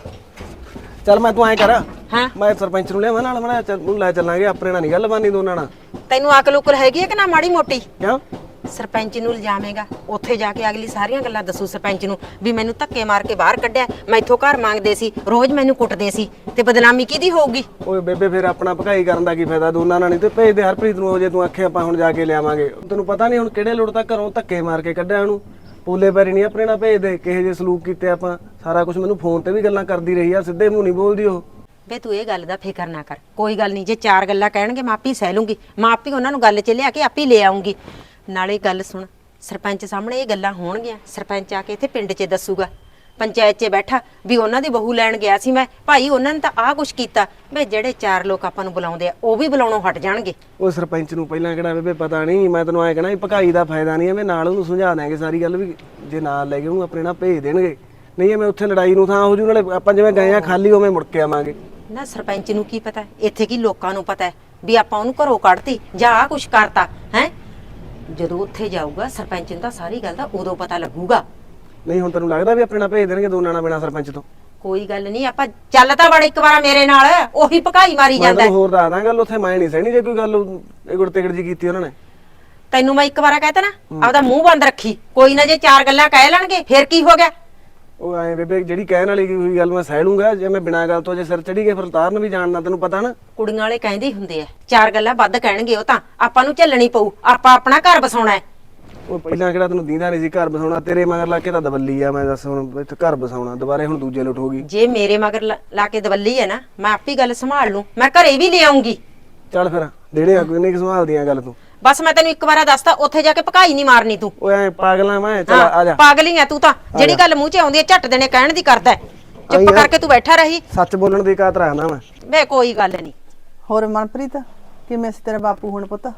S2: ਚੱਲ ਮੈਂ ਤੂੰ ਐਂ ਕਰ,
S1: ਹਾਂ
S2: ਮੈਂ ਸਰਪੰਚ ਨੂੰ ਲਿਆਵਾਂ ਨਾਲ, ਮੈਂ ਚੱਲ ਲੈ ਚੱਲਾਂਗੇ। ਆਪਣੇ ਨਾਲ ਨਹੀਂ ਗੱਲ ਬਾਨੀ ਦੋਨਾਂ ਨਾਲ।
S1: ਤੈਨੂੰ ਅਕਲ ਉਕਲ ਹੈਗੀ ਹੈ ਕਿ ਨਾ ਮਾੜੀ ਮੋਟੀ?
S2: ਕਿਉਂ?
S1: ਸਰਪੰਚ ਨੂੰ ਲਿਜਾਵੇਂਗਾ, ਉੱਥੇ ਜਾ ਕੇ ਅਗਲੀ ਸਾਰੀਆਂ ਗੱਲਾਂ ਦੱਸੂ ਸਰਪੰਚ ਨੂੰ ਵੀ ਮੈਨੂੰ ਧੱਕੇ ਮਾਰ ਕੇ ਬਾਹਰ ਕੱਢਿਆ, ਮੈਥੋਂ ਘਰ ਮੰਗਦੇ ਸੀ, ਰੋਜ਼ ਮੈਨੂੰ ਕੁੱਟਦੇ ਸੀ, ਤੇ ਬਦਨਾਮੀ ਕਿਹਦੀ ਹੋਊਗੀ?
S2: ਓਏ ਬੇਬੇ ਫਿਰ ਆਪਣਾ ਭਕਾਈ ਕਰਨ ਦਾ ਕੀ ਫਾਇਦਾ? ਦੋਨਾਂ ਨਾਲ ਨਹੀਂ ਤੇ ਭੇਜ ਦੇ ਹਰਪ੍ਰੀਤ ਨੂੰ। ਜੇ ਤੂੰ ਆਖੇ ਆਪਾਂ ਹੁਣ ਜਾ ਕੇ ਲਿਆਵਾਂਗੇ, ਤੈਨੂੰ ਪਤਾ ਨਹੀਂ ਹੁਣ ਕਿਹੜੇ ਲੋੜ ਤੱਕ ਘਰੋਂ ਧੱਕੇ ਮਾਰ ਕੇ ਕੱਢਿਆ ਉਹਨੂੰ। ਪੋਲੇ ਪੈਰੀ ਨਹੀਂ ਆਪਣੇ ਨਾਲ ਭੇਜਦੇ, ਕਿਹੇ ਜੇ ਸਲੂਕ ਕੀਤੇ ਆਪਾਂ। ਸਾਰਾ ਕੁਝ ਮੈਨੂੰ ਫੋਨ ਤੇ ਵੀ ਗੱਲਾਂ ਕਰਦੀ ਰਹੀ ਆ, ਸਿੱਧੇ ਮੂੰਹ ਨਹੀਂ ਬੋਲਦੀ ਉਹ।
S1: ਵੇ ਤੂੰ ਇਹ ਗੱਲ ਦਾ ਫਿਕਰ ਨਾ ਕਰ, ਕੋਈ ਗੱਲ ਨਹੀਂ। ਜੇ ਚਾਰ ਗੱਲਾਂ ਕਹਿਣਗੇ ਮੈਂ ਆਪੇ ਸਹਿ ਲੂੰਗੀ, ਮੈਂ ਆਪੇ ਉਹਨਾਂ ਨੂੰ ਗੱਲ 'ਚ ਲਿਆ ਕੇ ਆਪੇ ਲੈ ਆਉਂਗੀ। ਨਾਲੇ ਗੱਲ ਸੁਣ, ਸਰਪੰਚ ਸਾਹਮਣੇ ਇਹ ਗੱਲਾਂ ਹੋਣਗੀਆਂ, ਸਰਪੰਚ ਆ ਕੇ ਇੱਥੇ ਪਿੰਡ 'ਚ ਦੱਸੂਗਾ, ਪੰਚਾਇਤ 'ਚ ਬੈਠਾ ਵੀ ਉਹਨਾਂ ਦੀ ਬਹੂ ਲੈਣ ਗਿਆ ਸੀ ਮੈਂ, ਭਾਈ ਉਹਨਾਂ ਨੇ ਤਾਂ ਆਹ ਕੁਛ ਕੀਤਾ। ਵੇ ਜਿਹੜੇ ਚਾਰ ਲੋਕ ਆਪਾਂ ਨੂੰ ਬੁਲਾਉਂਦੇ ਆ ਉਹ ਵੀ ਬੁਲਾਉਣੋਂ ਹਟ ਜਾਣਗੇ।
S2: ਉਹ ਸਰਪੰਚ ਨੂੰ ਪਹਿਲਾਂ ਕਿਹੜਾ ਬੇਬੇ ਪਤਾ ਨਹੀਂ, ਮੈਂ ਤੈਨੂੰ ਐਂ ਕਹਿਣਾ ਵੀ ਭਕਾਈ ਦਾ ਫਾਇਦਾ ਨਹੀਂ, ਐਵੇਂ ਨਾਲ ਉਹਨੂੰ ਸਮਝਾ ਦਾਂਗੇ ਸਾਰੀ ਗੱਲ, ਵੀ ਜੇ ਨਾਲ ਲੈ ਕੇ ਉਹਨੂੰ ਆਪਣੇ ਨਾਲ ਭੇਜ ਦੇਣਗੇ। ਨਹੀਂ ਐਵੇਂ ਉੱਥੇ ਲੜਾਈ ਨੂੰ ਥਾਂ ਹੋ ਜੂ, ਨਾਲੇ ਆਪਾਂ ਜਿਵੇਂ ਗਏ ਆ ਖਾਲੀ ਉਵੇਂ ਮੁੜ ਕੇ ਆਵਾਂਗੇ।
S1: ਨਾ ਸਰਪੰਚ ਨੂੰ ਕੀ ਪਤਾ, ਇੱਥੇ ਕੀ ਲੋਕਾਂ ਨੂੰ ਪਤਾ ਹੈ ਵੀ ਆਪਾਂ ਉਹਨੂੰ ਘਰੋਂ ਕੱਢਤੀ ਜਾਂ ਆਹ ਕੁਛ ਕਰਤਾ ਹੈ। ਜਦੋਂ ਉੱਥੇ ਜਾਊਗਾ ਸਰਪੰਚ ਨੂੰ ਤਾਂ ਸਾਰੀ ਗੱਲ ਦਾ ਉਦੋਂ ਪਤਾ ਲੱਗੂਗਾ।
S2: ਨਹੀਂ ਹੁਣ ਤੈਨੂੰ ਲੱਗਦਾ ਵੀ ਆਪਣੇ ਨਾਲ ਭੇਜ ਦੇਣਗੇ ਦੋਨਾਂ ਨਾਲ, ਬਿਨਾਂ ਸਰਪੰਚ ਤੋਂ?
S1: ਕੋਈ ਗੱਲ ਨਹੀਂ, ਆਪਾਂ ਚੱਲ ਤਾਂ ਬੜ ਇੱਕ ਵਾਰ ਮੇਰੇ ਨਾਲ, ਉਹੀ ਭਕਾਈ ਮਾਰੀ
S2: ਮੈਂ
S1: ਜਾਂਦਾ।
S2: ਤੈਨੂੰ ਹੋਰ ਦੱਸ ਦਾਂ ਗੱਲ, ਉੱਥੇ ਮੈਂ ਨਹੀਂ ਸਹਿਣੀ ਜੇ ਕੋਈ ਗੱਲ ਇਹ ਗੁੜ ਤਿਗੜ ਜੀ ਕੀਤੀ ਉਹਨਾਂ ਨੇ।
S1: ਤੈਨੂੰ ਮੈਂ ਇੱਕ ਵਾਰ ਕਹਤਾ ਨਾ, ਆਪਦਾ ਮੂੰਹ ਬੰਦ ਰੱਖੀ। ਕੋਈ ਨਾ ਜੇ ਚਾਰ ਗੱਲਾਂ ਕਹਿ ਲੈਣਗੇ ਫੇਰ ਕੀ ਹੋ ਗਿਆ?
S2: ਉਹ ਐਂ ਬੇਬੇ ਜਿਹੜੀ ਕਹਿਣ ਵਾਲੀ ਕੋਈ ਗੱਲ ਮੈਂ ਸਹਿ ਲੂੰਗਾ, ਜੇ ਮੈਂ ਬਿਨਾਂ ਗੱਲ ਤੋਂ ਜੇ ਸਿਰ ਚੜੀ ਗਏ ਫਿਰ ਉਤਾਰਨ ਵੀ ਜਾਣਦਾ, ਤੈਨੂੰ ਪਤਾ ਨਾ।
S1: ਕੁੜੀਆਂ ਵਾਲੇ ਕਹਿੰਦੇ ਹੀ ਹੁੰਦੇ ਆ, ਚਾਰ ਗੱਲਾਂ ਵੱਧ ਕਹਿਣਗੇ ਉਹ ਤਾਂ ਆਪਾਂ ਨੂੰ ਝੱਲਣੀ ਪਊ, ਆਪਾਂ ਆਪਣਾ ਘਰ ਬਸਾਉਣਾ ਹੈ।
S2: ਉਹ ਪਹਿਲਾਂ ਕਿਹੜਾ ਤੈਨੂੰ ਦੀਂਦਾ ਨਹੀਂ ਸੀ ਘਰ ਬਸਾਉਣਾ? ਤੇਰੇ ਮਗਰ ਲਾ ਕੇ ਤਾਂ ਦਵੱਲੀ ਆ, ਮੈਂ ਦੱਸ ਹੁਣ ਇੱਥੇ ਘਰ ਬਸਾਉਣਾ ਦੁਬਾਰੇ ਹੁਣ ਦੂਜੇ ਲੁੱਟ ਹੋ ਗਈ।
S1: ਜੇ ਮੇਰੇ ਮਗਰ ਲਾ ਕੇ ਦਵੱਲੀ ਹੈ ਨਾ, ਮੈਂ ਆਪੀ ਗੱਲ ਸੰਭਾਲ ਲੂੰ, ਮੈਂ ਘਰੇ ਵੀ ਲੈ ਆਉਂਗੀ।
S2: ਚੱਲ ਫਿਰ ਦੇਣੇ ਆ, ਕੋਈ ਨਹੀਂ ਸੰਭਾਲਦੀਆਂ ਗੱਲ ਤੂੰ।
S1: ਬਸ ਮੈਂ ਤੈਨੂੰ ਇੱਕ ਵਾਰ ਦੱਸਤਾ, ਉੱਥੇ ਜਾ ਕੇ ਭਕਾਈ ਨਹੀਂ ਮਾਰਨੀ ਤੂੰ।
S2: ਓਏ ਐ ਪਾਗਲਾਂ ਮੈਂ, ਚੱਲ ਆ ਜਾ।
S1: ਪਾਗਲੀ ਆ ਤੂੰ ਤਾਂ, ਜਿਹੜੀ ਗੱਲ ਮੂੰਹ 'ਚ ਆਉਂਦੀ ਹੈ ਝੱਟ ਦੇਣੇ ਕਹਿਣ ਦੀ ਕਰਦਾ ਹੈ। ਚੁੱਪ ਕਰਕੇ ਤੂੰ ਬੈਠਾ ਰਹੀ।
S2: ਸੱਚ ਬੋਲਣ ਦੀ ਕਾਤ ਰੱਖਣਾ ਮੈਂ।
S1: ਵੇ ਕੋਈ ਗੱਲ ਨਹੀਂ।
S6: ਹੋਰ ਮਨਪ੍ਰੀਤ, ਕਿਵੇਂ ਸੀ ਤੇਰਾ ਬਾਪੂ ਹੁਣ ਪੁੱਤ?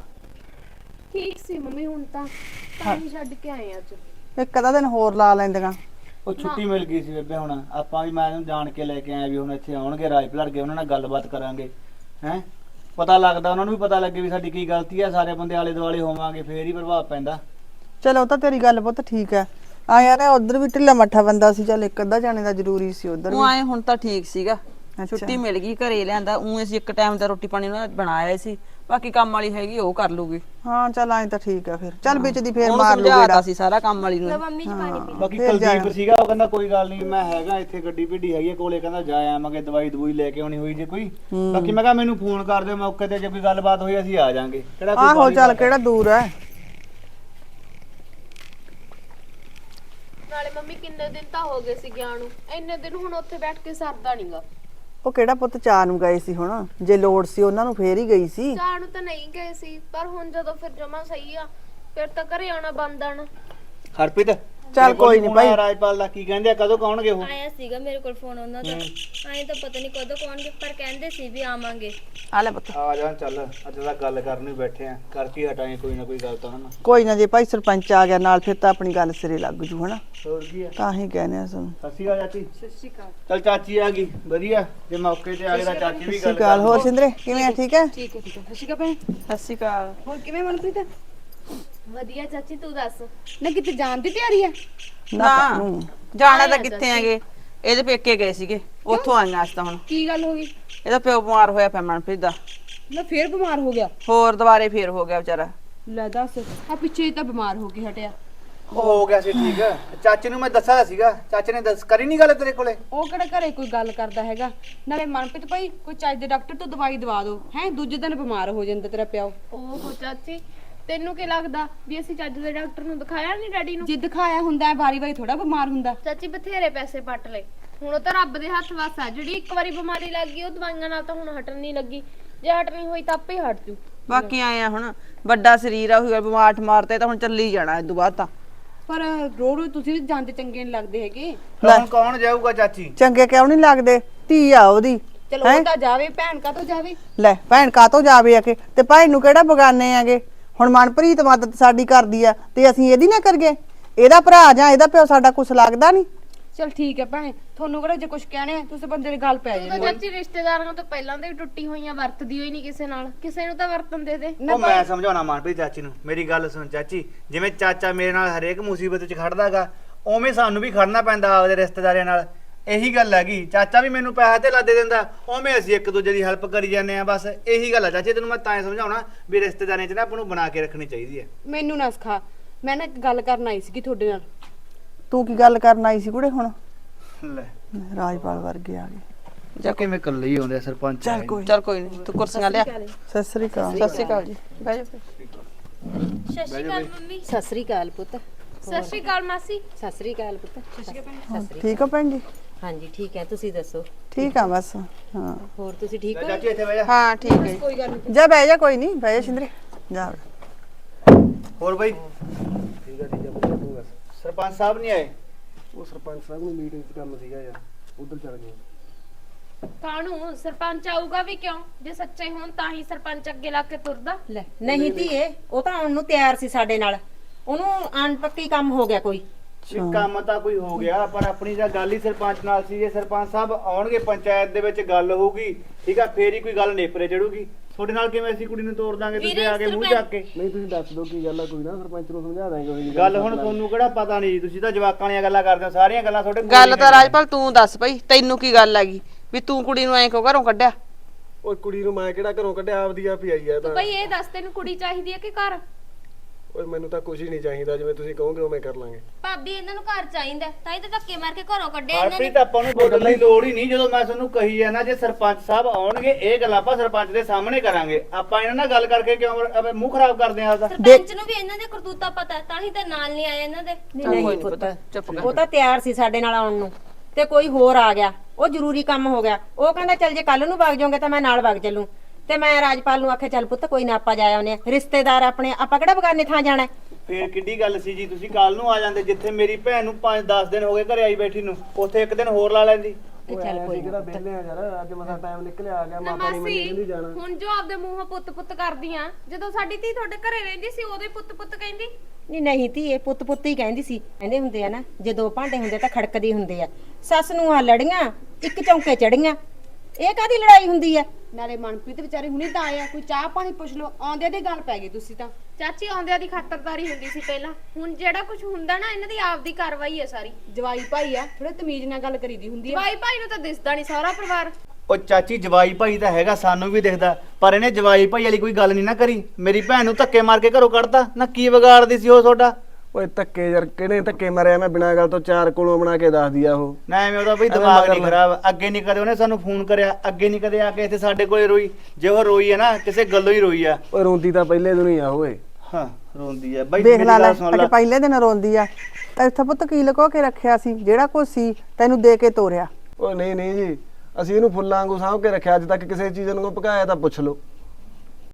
S5: ਠੀਕ ਸੀ ਮੰਮੀ, ਹੁਣ ਤਾਂ ਪਾਣੀ ਛੱਡ ਕੇ ਆਏ ਅੱਜ।
S6: ਇੱਕ ਅੱਧਾ ਦਿਨ ਹੋਰ ਲਾ ਲੈਂਦੀਆਂ।
S3: ਉਹ ਛੁੱਟੀ ਮਿਲ ਗਈ ਸੀ ਬੇਬੇ, ਹੁਣ ਆਪਾਂ ਵੀ ਮੈਂ ਇਹਨੂੰ ਜਾਣ ਕੇ ਲੈ ਕੇ ਆਇਆ ਵੀ ਹੁਣ ਇੱਥੇ ਆਉਣਗੇ ਰਾਜਪੁਰ ਲੜ ਕੇ, ਉਹਨਾਂ ਨਾਲ ਗੱਲਬਾਤ ਕਰਾਂਗੇ ਹੈ। ਪਤਾ ਲੱਗਦਾ ਉਹਨਾਂ ਨੂੰ ਵੀ ਪਤਾ ਲੱਗੇ ਵੀ ਸਾਡੀ ਕੀ ਗਲਤੀ ਆ, ਸਾਰੇ ਬੰਦੇ ਆਲੇ ਦੁਆਲੇ ਹੋਵਾਂਗੇ ਫੇਰ ਹੀ ਪ੍ਰਭਾਵ ਪੈਂਦਾ।
S6: ਚਲੋ ਤਾਂ ਤੇਰੀ ਗੱਲ ਪੁੱਤ ਠੀਕ ਹੈ। ਆ ਯਾਰ ਉਧਰ ਵੀ ਢਿੱਲਾ ਮੱਠਾ ਬੰਦਾ ਸੀ, ਚੱਲ ਇੱਕ ਅੱਧਾ ਜਾਣੇ ਦਾ ਜ਼ਰੂਰੀ ਸੀ ਉਧਰ
S8: ਉਹ ਆਏ ਹੁਣ ਤਾਂ ਠੀਕ ਸੀਗਾ, ਛੁੱਟੀ ਮਿਲ ਗਈ, ਘਰੇ ਲਿਆਂਦਾ। ਉਹ ਅਸੀਂ ਇੱਕ ਟਾਈਮ ਦਾ ਰੋਟੀ ਪਾਣੀ ਉਹਨਾਂ ਬਣਾਇਆ ਸੀ, ਬਾਕੀ ਕੰਮ ਵਾਲੀ ਹੈਗੀ ਉਹ ਕਰ ਲੂਗੀ।
S6: ਹਾਂ ਚੱਲ ਐਂ ਤਾਂ ਠੀਕ ਆ ਫਿਰ। ਚੱਲ ਵਿੱਚ ਦੀ ਫੇਰ
S8: ਉਹਨੂੰ
S6: ਮਾਰ
S8: ਸਮਝਾਤਾ
S6: ਲੂਗਾ
S8: ਸੀ ਸਾਰਾ ਕੰਮ ਵਾਲੀ ਨੂੰ।
S3: ਬਾਕੀ ਕੁਲਦੀਪ ਸੀਗਾ, ਉਹ ਕਹਿੰਦਾ ਕੋਈ ਗੱਲ ਨਹੀਂ ਮੈਂ ਹੈਗਾ ਇੱਥੇ, ਗੱਡੀ ਭੇਡੀ ਹੈਗੀ ਕੋਲੇ, ਕਹਿੰਦਾ ਜਾ ਆਵਾਂਗੇ, ਦਵਾਈ ਦਵਾਈ ਲੈ ਕੇ ਆਉਣੀ ਹੋਈ ਜੇ ਕੋਈ। ਬਾਕੀ ਮੈਂ ਕਿਹਾ ਮੈਨੂੰ ਫੋਨ ਕਰ ਦਿਓ ਮੌਕੇ ਤੇ, ਜੇ ਕੋਈ ਗੱਲਬਾਤ ਹੋਈ ਅਸੀਂ ਆ ਜਾਾਂਗੇ। ਕਿਹੜਾ ਕੋਈ
S6: ਆਹੋ ਚੱਲ ਕਿਹੜਾ ਦੂਰ ਹੈ।
S5: ਨਾਲੇ ਮੰਮੀ ਕਿੰਨੇ ਦਿਨ ਤਾਂ ਹੋ ਗਏ ਸੀ ਗਿਆ ਨੂੰ, ਇੰਨੇ ਦਿਨ ਹੁਣ ਉੱਥੇ ਬੈਠ ਕੇ ਸਰਦਾ ਨਹੀਂਗਾ।
S6: ਉਹ ਕਿਹੜਾ ਪੁੱਤ ਚਾਹ ਨੂੰ ਗਏ ਸੀ, ਹੁਣ ਜੇ ਲੋੜ ਸੀ ਉਹਨਾਂ ਨੂੰ ਫੇਰ ਹੀ ਗਈ ਸੀ।
S5: ਚਾਹ ਨੂੰ ਤਾਂ ਨਹੀਂ ਗਏ ਸੀ, ਪਰ ਹੁਣ ਜਦੋਂ ਫਿਰ ਜਮਾ ਸਹੀ ਆ, ਫਿਰ ਤਾਂ ਘਰੇ ਆਉਣਾ ਬੰਦ ਆਣਾ।
S3: ਹਰਪ੍ਰੀਤ
S6: ਚੱਲ ਕੋਈ ਨਹੀਂ ਭਾਈ।
S3: ਰਾਜਪਾਲ ਦਾ ਕੀ ਕਹਿੰਦੇ ਆ, ਕਦੋਂ ਕਹਣਗੇ ਉਹ?
S9: ਆਇਆ ਸੀਗਾ ਮੇਰੇ ਕੋਲ ਫੋਨ ਉਹਨਾਂ ਦਾ, ਆਏ ਤਾਂ ਪਤਾ ਨਹੀਂ ਕਦੋਂ ਕੌਣਗੇ, ਪਰ ਕਹਿੰਦੇ ਸੀ ਵੀ ਆਵਾਂਗੇ।
S6: ਆ ਲੈ ਪੁੱਤ
S3: ਆ ਜਾ ਚੱਲ, ਅੱਜ ਤਾਂ ਗੱਲ ਕਰਨ ਹੀ ਬੈਠੇ ਆ, ਕਰਕੇ ਹਟਾਂਗੇ ਕੋਈ ਨਾ ਕੋਈ ਗੱਲ ਤਾਂ ਹਨਾ।
S6: ਕੋਈ ਨਾ, ਜੇ ਭਾਈ ਸਰਪੰਚ ਆ ਗਿਆ ਨਾਲ ਫਿਰ ਤਾਂ ਆਪਣੀ ਗੱਲ ਸਿਰੇ ਲੱਗ ਜੂ ਹਨਾ।
S3: ਹੋਰ ਕੀ ਆ,
S6: ਤਾਂ ਹੀ ਕਹਿੰਦੇ ਆ ਸਾਨੂੰ।
S3: ਸਤਿ ਸ਼੍ਰੀ ਅਕਾਲ ਚਾਚੀ। ਸਤਿ ਸ਼੍ਰੀ ਅਕਾਲ। ਚੱਲ ਚਾਚੀ ਆ ਗਈ, ਵਧੀਆ ਜੇ ਮੌਕੇ ਤੇ ਆ ਗਏ ਤਾਂ ਚਾਚੀ ਵੀ ਗੱਲ
S6: ਗੱਲ। ਹੋਰ ਸਿੰਦਰੇ ਕਿਵੇਂ ਆ? ਠੀਕ ਹੈ।
S4: ਠੀਕ ਹੈ ਠੀਕ ਹੈ। ਸਤਿ ਸ਼੍ਰੀ ਅਕਾਲ ਭੈਣ।
S6: ਸਤਿ ਸ਼੍ਰੀ ਅਕਾਲ।
S4: ਹੋਰ ਕਿਵੇਂ ਮਨਪ੍ਰੀਤ?
S5: ਵਧੀਆ ਚਾਚੀ, ਤੂੰ ਦੱਸ।
S4: ਨਾ ਕਿਤੇ ਜਾਣ ਦੀ ਤਿਆਰੀ ਹੈ?
S6: ਨਾ
S8: ਜਾਣਾ ਤਾਂ ਕਿੱਥੇ ਆਗੇ, ਇਹਦੇ ਪੇਕੇ ਗਏ ਸੀਗੇ, ਉੱਥੋਂ ਆਈਆਂ ਅੱਜ ਤਾਂ ਹੁਣ।
S4: ਕੀ ਗੱਲ ਹੋ ਗਈ?
S8: ਇਹਦਾ ਪਿਓ ਬਿਮਾਰ ਹੋਇਆ ਪਿਆ ਮਨਪ੍ਰੀਤ ਦਾ।
S4: ਨਾ ਫੇਰ ਬਿਮਾਰ ਹੋ ਗਿਆ?
S8: ਹੋਰ ਦੁਬਾਰੇ ਫੇਰ ਹੋ ਗਿਆ ਵਿਚਾਰਾ।
S4: ਲੈ ਦੱਸ, ਆ ਪਿੱਛੇ ਤਾਂ ਬਿਮਾਰ ਹੋ ਕੇ ਹਟਿਆ।
S3: ਉਹ ਹੋ ਗਿਆ ਸੀ ਠੀਕ। ਚਾਚੇ ਨੂੰ ਮੈਂ ਦੱਸਿਆ ਸੀਗਾ, ਚਾਚੇ ਨੇ ਦੱਸ ਕਰੀ ਨਹੀਂ ਗੱਲ ਤੇਰੇ ਕੋਲੇ?
S4: ਉਹ ਕਿਹੜਾ ਘਰੇ ਕੋਈ ਗੱਲ ਕਰਦਾ ਹੈਗਾ। ਨਾਲੇ ਮਨਪ੍ਰੀਤ ਭਾਈ ਕੋਈ ਚੱਜ ਦੇ ਡਾਕਟਰ ਤੋਂ ਦਵਾਈ ਦਵਾ ਦਿਓ ਹੈ, ਦੂਜੇ ਦਿਨ ਬਿਮਾਰ ਹੋ ਜਾਂਦਾ ਤੇਰਾ ਪਿਓ।
S5: ਓਹੋ ਚਾਚੀ, ਤੈਨੂੰ ਕੀ ਲੱਗਦਾ ਵੀ ਅਸੀਂ ਚੱਜ ਦੇ ਡਾਕਟਰ ਨੂੰ ਦਿਖਾਇਆ ਨਹੀਂ ਡੈਡੀ ਨੂੰ?
S4: ਜੇ ਦਿਖਾਇਆ ਹੁੰਦਾ ਵਾਰੀ ਵਾਰੀ ਥੋੜਾ ਬਿਮਾਰ ਹੁੰਦਾ।
S5: ਚਾਚੀ ਬਥੇਰੇ ਪੈਸੇ ਪੱਟ ਲਏ, ਹੁਣ ਉਹ ਤਾਂ ਰੱਬ ਦੇ ਹੱਥ ਵੱਸ ਆ। ਜਿਹੜੀ ਇੱਕ ਵਾਰੀ ਬਿਮਾਰੀ ਲੱਗ ਗਈ ਉਹ ਦਵਾਈਆਂ ਨਾਲ ਤਾਂ ਹੁਣ ਹਟਣ ਨਹੀਂ ਲੱਗੀ। ਜੇ ਹਟਣੀ ਹੋਈ ਤਾਂ ਆਪੇ ਹੀ ਹਟ ਜੂ।
S6: ਬਾਕੀ ਆਏ ਆ ਹੁਣ ਵੱਡਾ ਸਰੀਰ ਆ, ਉਹੀ ਬਿਮਾਰ ਮਾਰਤੇ ਤਾਂ ਹੁਣ ਚੱਲੀ ਜਾਣਾ ਇਸ ਤੋਂ ਬਾਅਦ ਤਾਂ।
S4: ਪਰ ਰੋਜ਼ ਤੁਸੀਂ ਵੀ ਜਾਂਦੇ ਚੰਗੇ ਨਹੀਂ ਲੱਗਦੇ ਹੈਗੇ।
S3: ਕੌਣ ਕੌਣ ਜਾਊਗਾ ਚਾਚੀ?
S10: ਚੰਗੇ ਕਿਉਂ ਨਹੀਂ ਲੱਗਦੇ? ਧੀ ਆ ਉਹਦੀ।
S4: ਚਲੋ ਉਹ ਤਾਂ ਜਾਵੇ, ਭੈਣ ਕਾ ਤੋਂ ਜਾਵੇ।
S10: ਲੈ ਭੈਣ ਕਾਤੋਂ ਜਾਵੇ ਆਕੇ, ਤੇ ਭਾਈ ਨੂੰ ਕਿਹੜਾ ਬਗਾਨੇ ਆਗੇ? ਹੁਣ ਮਨਪ੍ਰੀਤ ਮਦਦ ਸਾਡੀ ਕਰਦੀ ਆ ਤੇ ਅਸੀਂ ਇਹਦੀ ਨਾ ਕਰੀਏ? ਇਹਦਾ ਭਰਾ ਜਾਂ ਇਹਦਾ ਪਿਓ ਸਾਡਾ ਕੁਛ ਲੱਗਦਾ ਨਹੀਂ?
S4: ਚਲ ਠੀਕ ਹੈ ਭੈਣੇ, ਤੁਹਾਨੂੰ ਕਿਹੜਾ ਜੇ ਕੁਝ ਕਹਿਣੇ ਆ ਤੁਸੀਂ ਬੰਦੇ ਦੀ ਗੱਲ ਪੈ
S5: ਤੂੰ ਤਾਂ
S4: ਜਾਂਦੀ।
S5: ਚਾਚੀ ਰਿਸ਼ਤੇਦਾਰਾਂ ਤੋਂ ਪਹਿਲਾਂ ਤੋਂ ਹੀ ਟੁੱਟੀ ਹੋਈਆਂ, ਵਰਤਦੀ ਹੋਈ ਨਹੀਂ ਕਿਸੇ ਨਾਲ। ਕਿਸੇ ਨੂੰ ਤਾਂ ਵਰਤਨ ਦੇ ਦੇ।
S3: ਉਹ ਮੈਂ ਸਮਝਾਉਣਾ ਮਨਪ੍ਰੀਤ ਚਾਚੀ ਨੂੰ। ਮੇਰੀ ਗੱਲ ਸੁਣ ਚਾਚੀ, ਜਿਵੇਂ ਚਾਚਾ ਮੇਰੇ ਨਾਲ ਹਰੇਕ ਮੁਸੀਬਤ 'ਚ ਖੜਦਾਗਾ, ਉਵੇਂ ਸਾਨੂੰ ਵੀ ਖੜਨਾ ਪੈਂਦਾ ਆਪਦੇ ਰਿਸ਼ਤੇਦਾਰਾਂ ਨਾਲ। ਇਹੀ ਗੱਲ ਹੈਗੀ। ਚਾਚਾ ਵੀ ਮੈਨੂੰ ਪੈਸਾ ਤੇ ਲਾ ਦੇ ਦਿੰਦਾ, ਉਵੇਂ ਅਸੀਂ ਇੱਕ ਦੂਜੇ ਦੀ ਹੈਲਪ ਕਰੀ ਜਾਂਦੇ ਆ। ਬਸ ਇਹੀ ਗੱਲ ਆ ਚਾਚੀ, ਤੈਨੂੰ ਮੈਂ ਤਾਂ ਹੀ ਸਮਝਾਉਣਾ ਵੀ ਰਿਸ਼ਤੇਦਾਰਾਂ 'ਚ ਨਾ ਆਪਾਂ ਨੂੰ ਬਣਾ ਕੇ ਰੱਖਣੀ ਚਾਹੀਦੀ ਹੈ।
S4: ਮੈਨੂੰ ਨਾ ਸਿਖਾ, ਮੈਂ ਨਾ ਇੱਕ ਗੱਲ ਕਰਨ ਆਈ ਸੀ ਤੁਹਾਡੇ ਨਾਲ।
S10: ਤੂੰ ਕੀ ਗੱਲ ਕਰਨ ਆਈ ਸੀ ਕੁੜੇ? ਹੁਣ
S3: ਲੈ
S10: ਰਾਜਪਾਲ ਵਰਗੇ ਆ ਗਏ।
S3: ਜਾ ਕਿਵੇਂ ਇਕੱਲੇ ਹੀ ਆਉਂਦੇ ਆ ਸਰਪੰਚ।
S10: ਚੱਲ ਕੋਈ
S6: ਚੱਲ ਕੋਈ ਨਹੀਂ, ਤੂੰ ਕੁਰਸੀਆਂ ਲਿਆ।
S10: ਸਤਿ ਸ੍ਰੀ ਅਕਾਲ।
S6: ਸਤਿ ਸ਼੍ਰੀ ਅਕਾਲ ਜੀ, ਬਹਿ ਜਾਓ।
S5: ਸਤਿ ਸ਼੍ਰੀ ਅਕਾਲ ਮੰਮੀ।
S1: ਸਤਿ ਸ੍ਰੀ ਅਕਾਲ ਪੁੱਤ।
S5: ਸਤਿ ਸ਼੍ਰੀ ਅਕਾਲ ਮਾਸੀ।
S1: ਸਤਿ ਸ੍ਰੀ ਅਕਾਲ ਪੁੱਤ। ਸਤਿ ਸ੍ਰੀ ਅਕਾਲ।
S10: ਠੀਕ ਹੋ ਭੈਣ ਜੀ?
S1: ਹਾਂਜੀ ਠੀਕ ਹੈ, ਤੁਸੀਂ ਦੱਸੋ?
S10: ਠੀਕ ਆ ਬਸ। ਹਾਂ
S1: ਹੋਰ ਤੁਸੀਂ ਠੀਕ ਹੋ?
S3: ਚਾਚੀ ਇੱਥੇ ਬਹਿ ਜਾ।
S10: ਹਾਂ ਠੀਕ ਹੈ।
S4: ਕੋਈ ਗੱਲ ਨਹੀਂ।
S10: ਜਾ ਬਹਿ ਜਾ, ਕੋਈ ਨਹੀਂ, ਬਹਿ ਜਾ ਸ਼ਿੰਦਰੇ ਜਾ।
S3: ਹੋਰ ਬਾਈ
S2: ਠੀਕ ਆ ਤੂੰ ਦੱਸ।
S3: ਸਰਪੰਚ ਸਾਹਿਬ ਨਹੀਂ ਆਏ?
S2: ਉਹ ਸਰਪੰਚ ਸਾਹਿਬ ਨੂੰ ਮੀਟਿੰਗ 'ਚ ਕੰਮ ਸੀਗਾ ਯਾਰ, ਉਧਰ ਚਲ ਗਏ।
S5: ਕਾਹਨੂੰ ਸਰਪੰਚ ਆਊਗਾ ਵੀ ਕਿਉਂ? ਜੇ ਸੱਚੇ ਹੋਣ ਤਾਂ ਹੀ ਸਰਪੰਚ ਅੱਗੇ ਲਾ ਕੇ ਤੁਰਦਾ।
S1: ਲੈ ਨਹੀਂ ਧੀਏ, ਉਹ ਤਾਂ ਆਉਣ ਨੂੰ ਤਿਆਰ ਸੀ ਸਾਡੇ ਨਾਲ। ਉਹਨੂੰ ਅਣਪੱਕੀ ਕੰਮ ਹੋ ਗਿਆ ਕੋਈ।
S3: ਕੰਮ ਤਾਂ ਕੋਈ ਹੋ ਗਿਆ, ਪਰ ਆਪਣੀ ਤਾਂ ਗੱਲ ਹੀ ਸਰਪੰਚ ਨਾਲ ਸੀ। ਜੇ ਸਰਪੰਚ ਸਾਹਿਬ ਆਉਣਗੇ, ਪੰਚਾਇਤ ਦੇ ਵਿੱਚ ਗੱਲ ਹੋਊਗੀ, ਠੀਕ ਆ, ਫੇਰ ਹੀ ਕੋਈ ਗੱਲ ਨੇਪਰੇ ਚੜੂਗੀ। ਤੁਹਾਡੇ ਨਾਲ ਕਿਵੇਂ ਅਸੀਂ ਕੁੜੀ ਨੂੰ ਤੋੜ ਦਾਂਗੇ? ਤੁਸੀਂ ਆ ਕੇ ਮੂੰਹ ਚੱਕ ਕੇ।
S2: ਨਹੀਂ ਤੁਸੀਂ ਦੱਸ ਦਿਓ ਕੀ ਗੱਲ ਆ, ਕੋਈ ਨਾ ਸਰਪੰਚ ਨੂੰ ਸਮਝਾ ਦਾਂਗੇ।
S3: ਗੱਲ ਹੁਣ ਤੁਹਾਨੂੰ ਕਿਹੜਾ ਪਤਾ ਨਹੀਂ, ਤੁਸੀਂ ਤਾਂ ਜਵਾਕਾਂ ਵਾਲੀਆਂ ਗੱਲਾਂ ਕਰਦੇ ਹੋ। ਸਾਰੀਆਂ ਗੱਲਾਂ ਤੁਹਾਡੇ ਕੋਲ
S6: ਗੱਲ
S3: ਹੀ
S6: ਤਾਂ
S3: ਨੇ।
S6: ਰਾਜਪਾਲ ਤੂੰ ਦੱਸ ਭਈ, ਤੈਨੂੰ ਕੀ ਗੱਲ ਹੈਗੀ ਵੀ ਤੂੰ ਕੁੜੀ ਨੂੰ ਐਂ ਕਿਉਂ ਘਰੋਂ ਕੱਢਿਆ?
S2: ਓਏ ਕੁੜੀ ਨੂੰ ਮੈਂ ਕਿਹੜਾ ਘਰੋਂ ਕੱਢਿਆ, ਆਪਦੀ ਆਪ ਹੀ ਆਈ ਆ ਤਾਂ।
S5: ਬਈ ਇਹ ਦੱਸ ਤੈਨੂੰ ਕੁੜੀ ਚਾਹੀਦੀ ਹੈ ਕਿ ਘਰ?
S2: ਓਏ ਮੈਨੂੰ ਤਾਂ ਕੁਝ ਹੀ ਨਹੀਂ ਚਾਹੀਦਾ, ਜਿਵੇਂ ਤੁਸੀਂ ਕਹੋਗੇ ਉਵੇਂ ਕਰ ਲਾਂਗੇ।
S9: ਭਾਬੀ ਇਹਨਾਂ ਨੂੰ ਘਰ ਚਾਹੀਦਾ, ਤਾਂ ਹੀ ਤਾਂ ਧੱਕੇ ਮਾਰ ਕੇ ਘਰੋਂ ਕੱਢਿਆ ਇਹਨਾਂ ਨੇ।
S3: ਹਰਪ੍ਰੀਤ ਆਪਾਂ ਨੂੰ ਬੋਲਣ ਦੀ ਲੋੜ ਹੀ ਨਹੀਂ। ਜਦੋਂ ਮੈਂ ਤੁਹਾਨੂੰ ਕਹੀ ਆ ਨਾ, ਜੇ ਸਰਪੰਚ ਸਾਹਿਬ ਆਉਣਗੇ, ਇਹ ਗੱਲਾਂ ਆਪਾਂ ਸਰਪੰਚ ਦੇ ਸਾਹਮਣੇ ਕਰਾਂਗੇ। ਆਪਾਂ ਇਹਨਾਂ ਨਾਲ ਗੱਲ ਕਰਕੇ ਕਿਉਂ ਮੂੰਹ ਖਰਾਬ ਕਰਦੇ ਆ ਆਪਦਾ?
S9: ਸਰਪੰਚ ਨੂੰ ਵੀ ਇਹਨਾਂ ਦੇ ਕਰਤੂਤਾ ਪਤਾ, ਤਾਂ ਹੀ ਤਾਂ ਨਾਲ ਨਹੀਂ ਆਇਆ ਇਹਨਾਂ ਦੇ।
S1: ਨਹੀਂ ਪੁੱਤ, ਉਹ ਤਾਂ ਤਿਆਰ ਸੀ ਸਾਡੇ ਨਾਲ ਆਉਣ ਨੂੰ, ਤੇ ਕੋਈ ਹੋਰ ਆ ਗਿਆ। ਉਹ ਜ਼ਰੂਰੀ ਕੰਮ ਹੋ ਗਿਆ। ਉਹ ਕਹਿੰਦਾ ਚੱਲ ਜੇ ਕੱਲ ਨੂੰ ਵਗ ਜਾਓਗੇ ਤਾਂ ਮੈਂ ਨਾਲ ਵਗ ਚੱਲੂ। ਤੇ ਮੈਂ ਰਾਜਪਾਲ ਨੂੰ ਆਖਿਆ ਚੱਲ ਪੁੱਤ ਕੋਈ ਨਾ, ਆਪਾਂ ਜਾ ਆਉਨੇ ਆ। ਰਿਸ਼ਤੇਦਾਰ ਆਪਣੇ, ਆਪਾਂ ਕਿਹੜਾ ਬਗਾਨੇ ਥਾਂ ਜਾਣਾ?
S3: ਫੇਰ ਕਿੱਡੀ ਗੱਲ ਸੀ ਜੀ, ਤੁਸੀਂ ਕੱਲ ਨੂੰ ਆ ਜਾਂਦੇ। ਜਿੱਥੇ ਮੇਰੀ ਭੈਣ ਨੂੰ 5-10 ਦਿਨ ਹੋ ਗਏ ਘਰੇ ਆਈ ਬੈਠੀ ਨੂੰ, ਉੱਥੇ ਇੱਕ ਦਿਨ ਹੋਰ ਲਾ ਲੈਂਦੀ।
S2: ਚੱਲ ਕੋਈ ਕਿਹੜਾ ਵਿਹਲੇ ਆ ਯਾਰ, ਅੱਜ ਮਸਾ ਟਾਈਮ ਨਿਕਲਿਆ ਆ ਗਿਆ।
S5: ਨਾ
S2: ਮਾਤਾ ਨਹੀਂ ਮੈਨੂੰ ਕਹਿੰਦੀ
S5: ਮਾਸੀ,
S2: ਜਾਣਾ।
S5: ਹੁਣ ਜੋ ਆਪਦੇ ਮੂੰਹੋਂ ਪੁੱਤ-ਪੁੱਤ ਕਰਦੀਆਂ, ਜਦੋਂ ਸਾਡੀ ਧੀ ਤੁਹਾਡੇ ਘਰੇ ਰਹਿੰਦੀ ਸੀ ਉਦੋਂ ਹੀ ਪੁੱਤ-ਪੁੱਤ ਕਹਿੰਦੀ।
S1: ਨਹੀਂ ਧੀਏ, ਪੁੱਤ ਪੁੱਤ ਹੀ ਕਹਿੰਦੀ ਸੀ। ਕਹਿੰਦੇ ਹੁੰਦੇ ਆ ਨਾ, ਜੇ ਦੋ ਭਾਂਡੇ ਹੁੰਦੇ ਤਾਂ ਖੜਕਦੇ ਹੁੰਦੇ ਆ। ਸੱਸ ਨੂੰ ਆ ਲੜੀਆਂ, ਇੱਕ ਚੌਂਕੇ ਚੜੀਆਂ, ਇਹ ਕਾਦੀ ਲੜਾਈ ਹੁੰਦੀ ਆ?
S4: ਨਾਲੇ ਮਨਪ੍ਰੀਤ ਵਿਚਾਰੇ ਹੁਣੇ ਤਾਂ ਆਇਆ, ਕੋਈ ਚਾਹ ਪਾਣੀ ਪੁੱਛ ਲਓ। ਆਉਂਦੇ ਦੀ ਗੱਲ ਪੈ ਗਈ ਤੁਸੀਂ ਤਾਂ।
S5: ਚਾਚੀ ਆਉਂਦਿਆਂ ਦੀ ਖਾਤਰਦਾਰੀ ਹੁੰਦੀ ਸੀ ਪਹਿਲਾਂ, ਹੁਣ ਜਿਹੜਾ ਕੁਝ ਹੁੰਦਾ ਨਾ ਇਹਨਾਂ ਦੀ ਆਪਦੀ ਕਾਰਵਾਈ ਹੈ ਸਾਰੀ।
S4: ਜਵਾਈ ਭਾਈ ਆ, ਥੋੜੇ ਤਮੀਜ਼ ਨਾਲ ਗੱਲ ਕਰੀਦੀ ਹੁੰਦੀ ਆ।
S5: ਜਵਾਈ ਭਾਈ ਨੂੰ ਤਾਂ ਦਿਸਦਾ ਨਹੀਂ ਸਾਰਾ ਪਰਿਵਾਰ।
S3: ਉਹ ਚਾਚੀ ਜਵਾਈ ਭਾਈ ਤਾਂ ਹੈਗਾ, ਸਾਨੂੰ ਵੀ ਦਿਖਦਾ, ਪਰ ਇਹਨੇ ਜਵਾਈ ਭਾਈ ਵਾਲੀ ਕੋਈ ਗੱਲ ਨਹੀਂ ਨਾ ਕਰੀ। ਮੇਰੀ ਭੈਣ ਨੂੰ ਧੱਕੇ ਮਾਰ ਕੇ ਘਰੋਂ ਕੱਢਤਾ ਨਾ। ਕੀ ਵਿਗਾੜਦੀ ਸੀ ਉਹ ਤੁਹਾਡਾ?
S2: ਓਏ ਧੱਕੇ ਯਾਰ, ਕਿਹਨੇ ਧੱਕੇ ਮਾਰਿਆ? ਮੈਂ ਬਿਨਾਂ ਗੱਲ ਤੋਂ ਚਾਰ ਕੋਲੋਂ ਬਣਾ ਕੇ ਦੱਸ ਦਿਆ ਉਹ।
S3: ਨਾ ਐਵੇਂ ਉਹਦਾ ਬਈ ਦਿਮਾਗ ਨਹੀਂ ਖਰਾਬ। ਅੱਗੇ ਨਹੀਂ ਕਦੇ ਉਹਨੇ ਸਾਨੂੰ ਫੋਨ ਕਰਿਆ, ਅੱਗੇ ਨਹੀਂ ਕਦੇ ਆ ਕੇ ਇੱਥੇ ਸਾਡੇ ਕੋਲੇ ਰੋਈ। ਜੇ ਉਹ ਰੋਈ ਹੈ ਨਾ, ਕਿਸੇ ਗੱਲੋਂ ਹੀ ਰੋਈ ਆ।
S2: ਓਏ ਰੋਂਦੀ ਤਾਂ ਪਹਿਲੇ ਦਿਨ ਹੀ ਆ ਓਏ।
S3: ਹਾਂ ਰੋਂਦੀ ਆ ਬਈ।
S10: ਦੇਖ
S3: ਮੇਰੀ
S10: ਲੈ ਲੈ,
S3: ਗੱਲ ਸੁਣ ਲੈ।
S10: ਅੱਜ ਪਹਿਲੇ ਦਿਨ ਰੋਂਦੀ ਆ। ਇੱਥੇ ਪੁੱਤ ਕੀ ਲੁਕੋ ਕੇ ਰੱਖਿਆ ਸੀ? ਜਿਹੜਾ ਕੁਝ ਸੀ ਤੈਨੂੰ ਦੇ ਕੇ ਤੋਰਿਆ।
S2: ਓਏ ਨਹੀਂ ਨਹੀਂ ਜੀ, ਅਸੀਂ ਇਹਨੂੰ ਫੁੱਲਾਂ ਵਾਂਗੂ ਸਾਂਭ ਕੇ ਰੱਖਿਆ। ਅੱਜ ਤੱਕ ਕਿਸੇ ਚੀਜ਼ ਨੂੰ ਭਕਾਇਆ ਤਾਂ ਪੁੱਛ ਲਓ।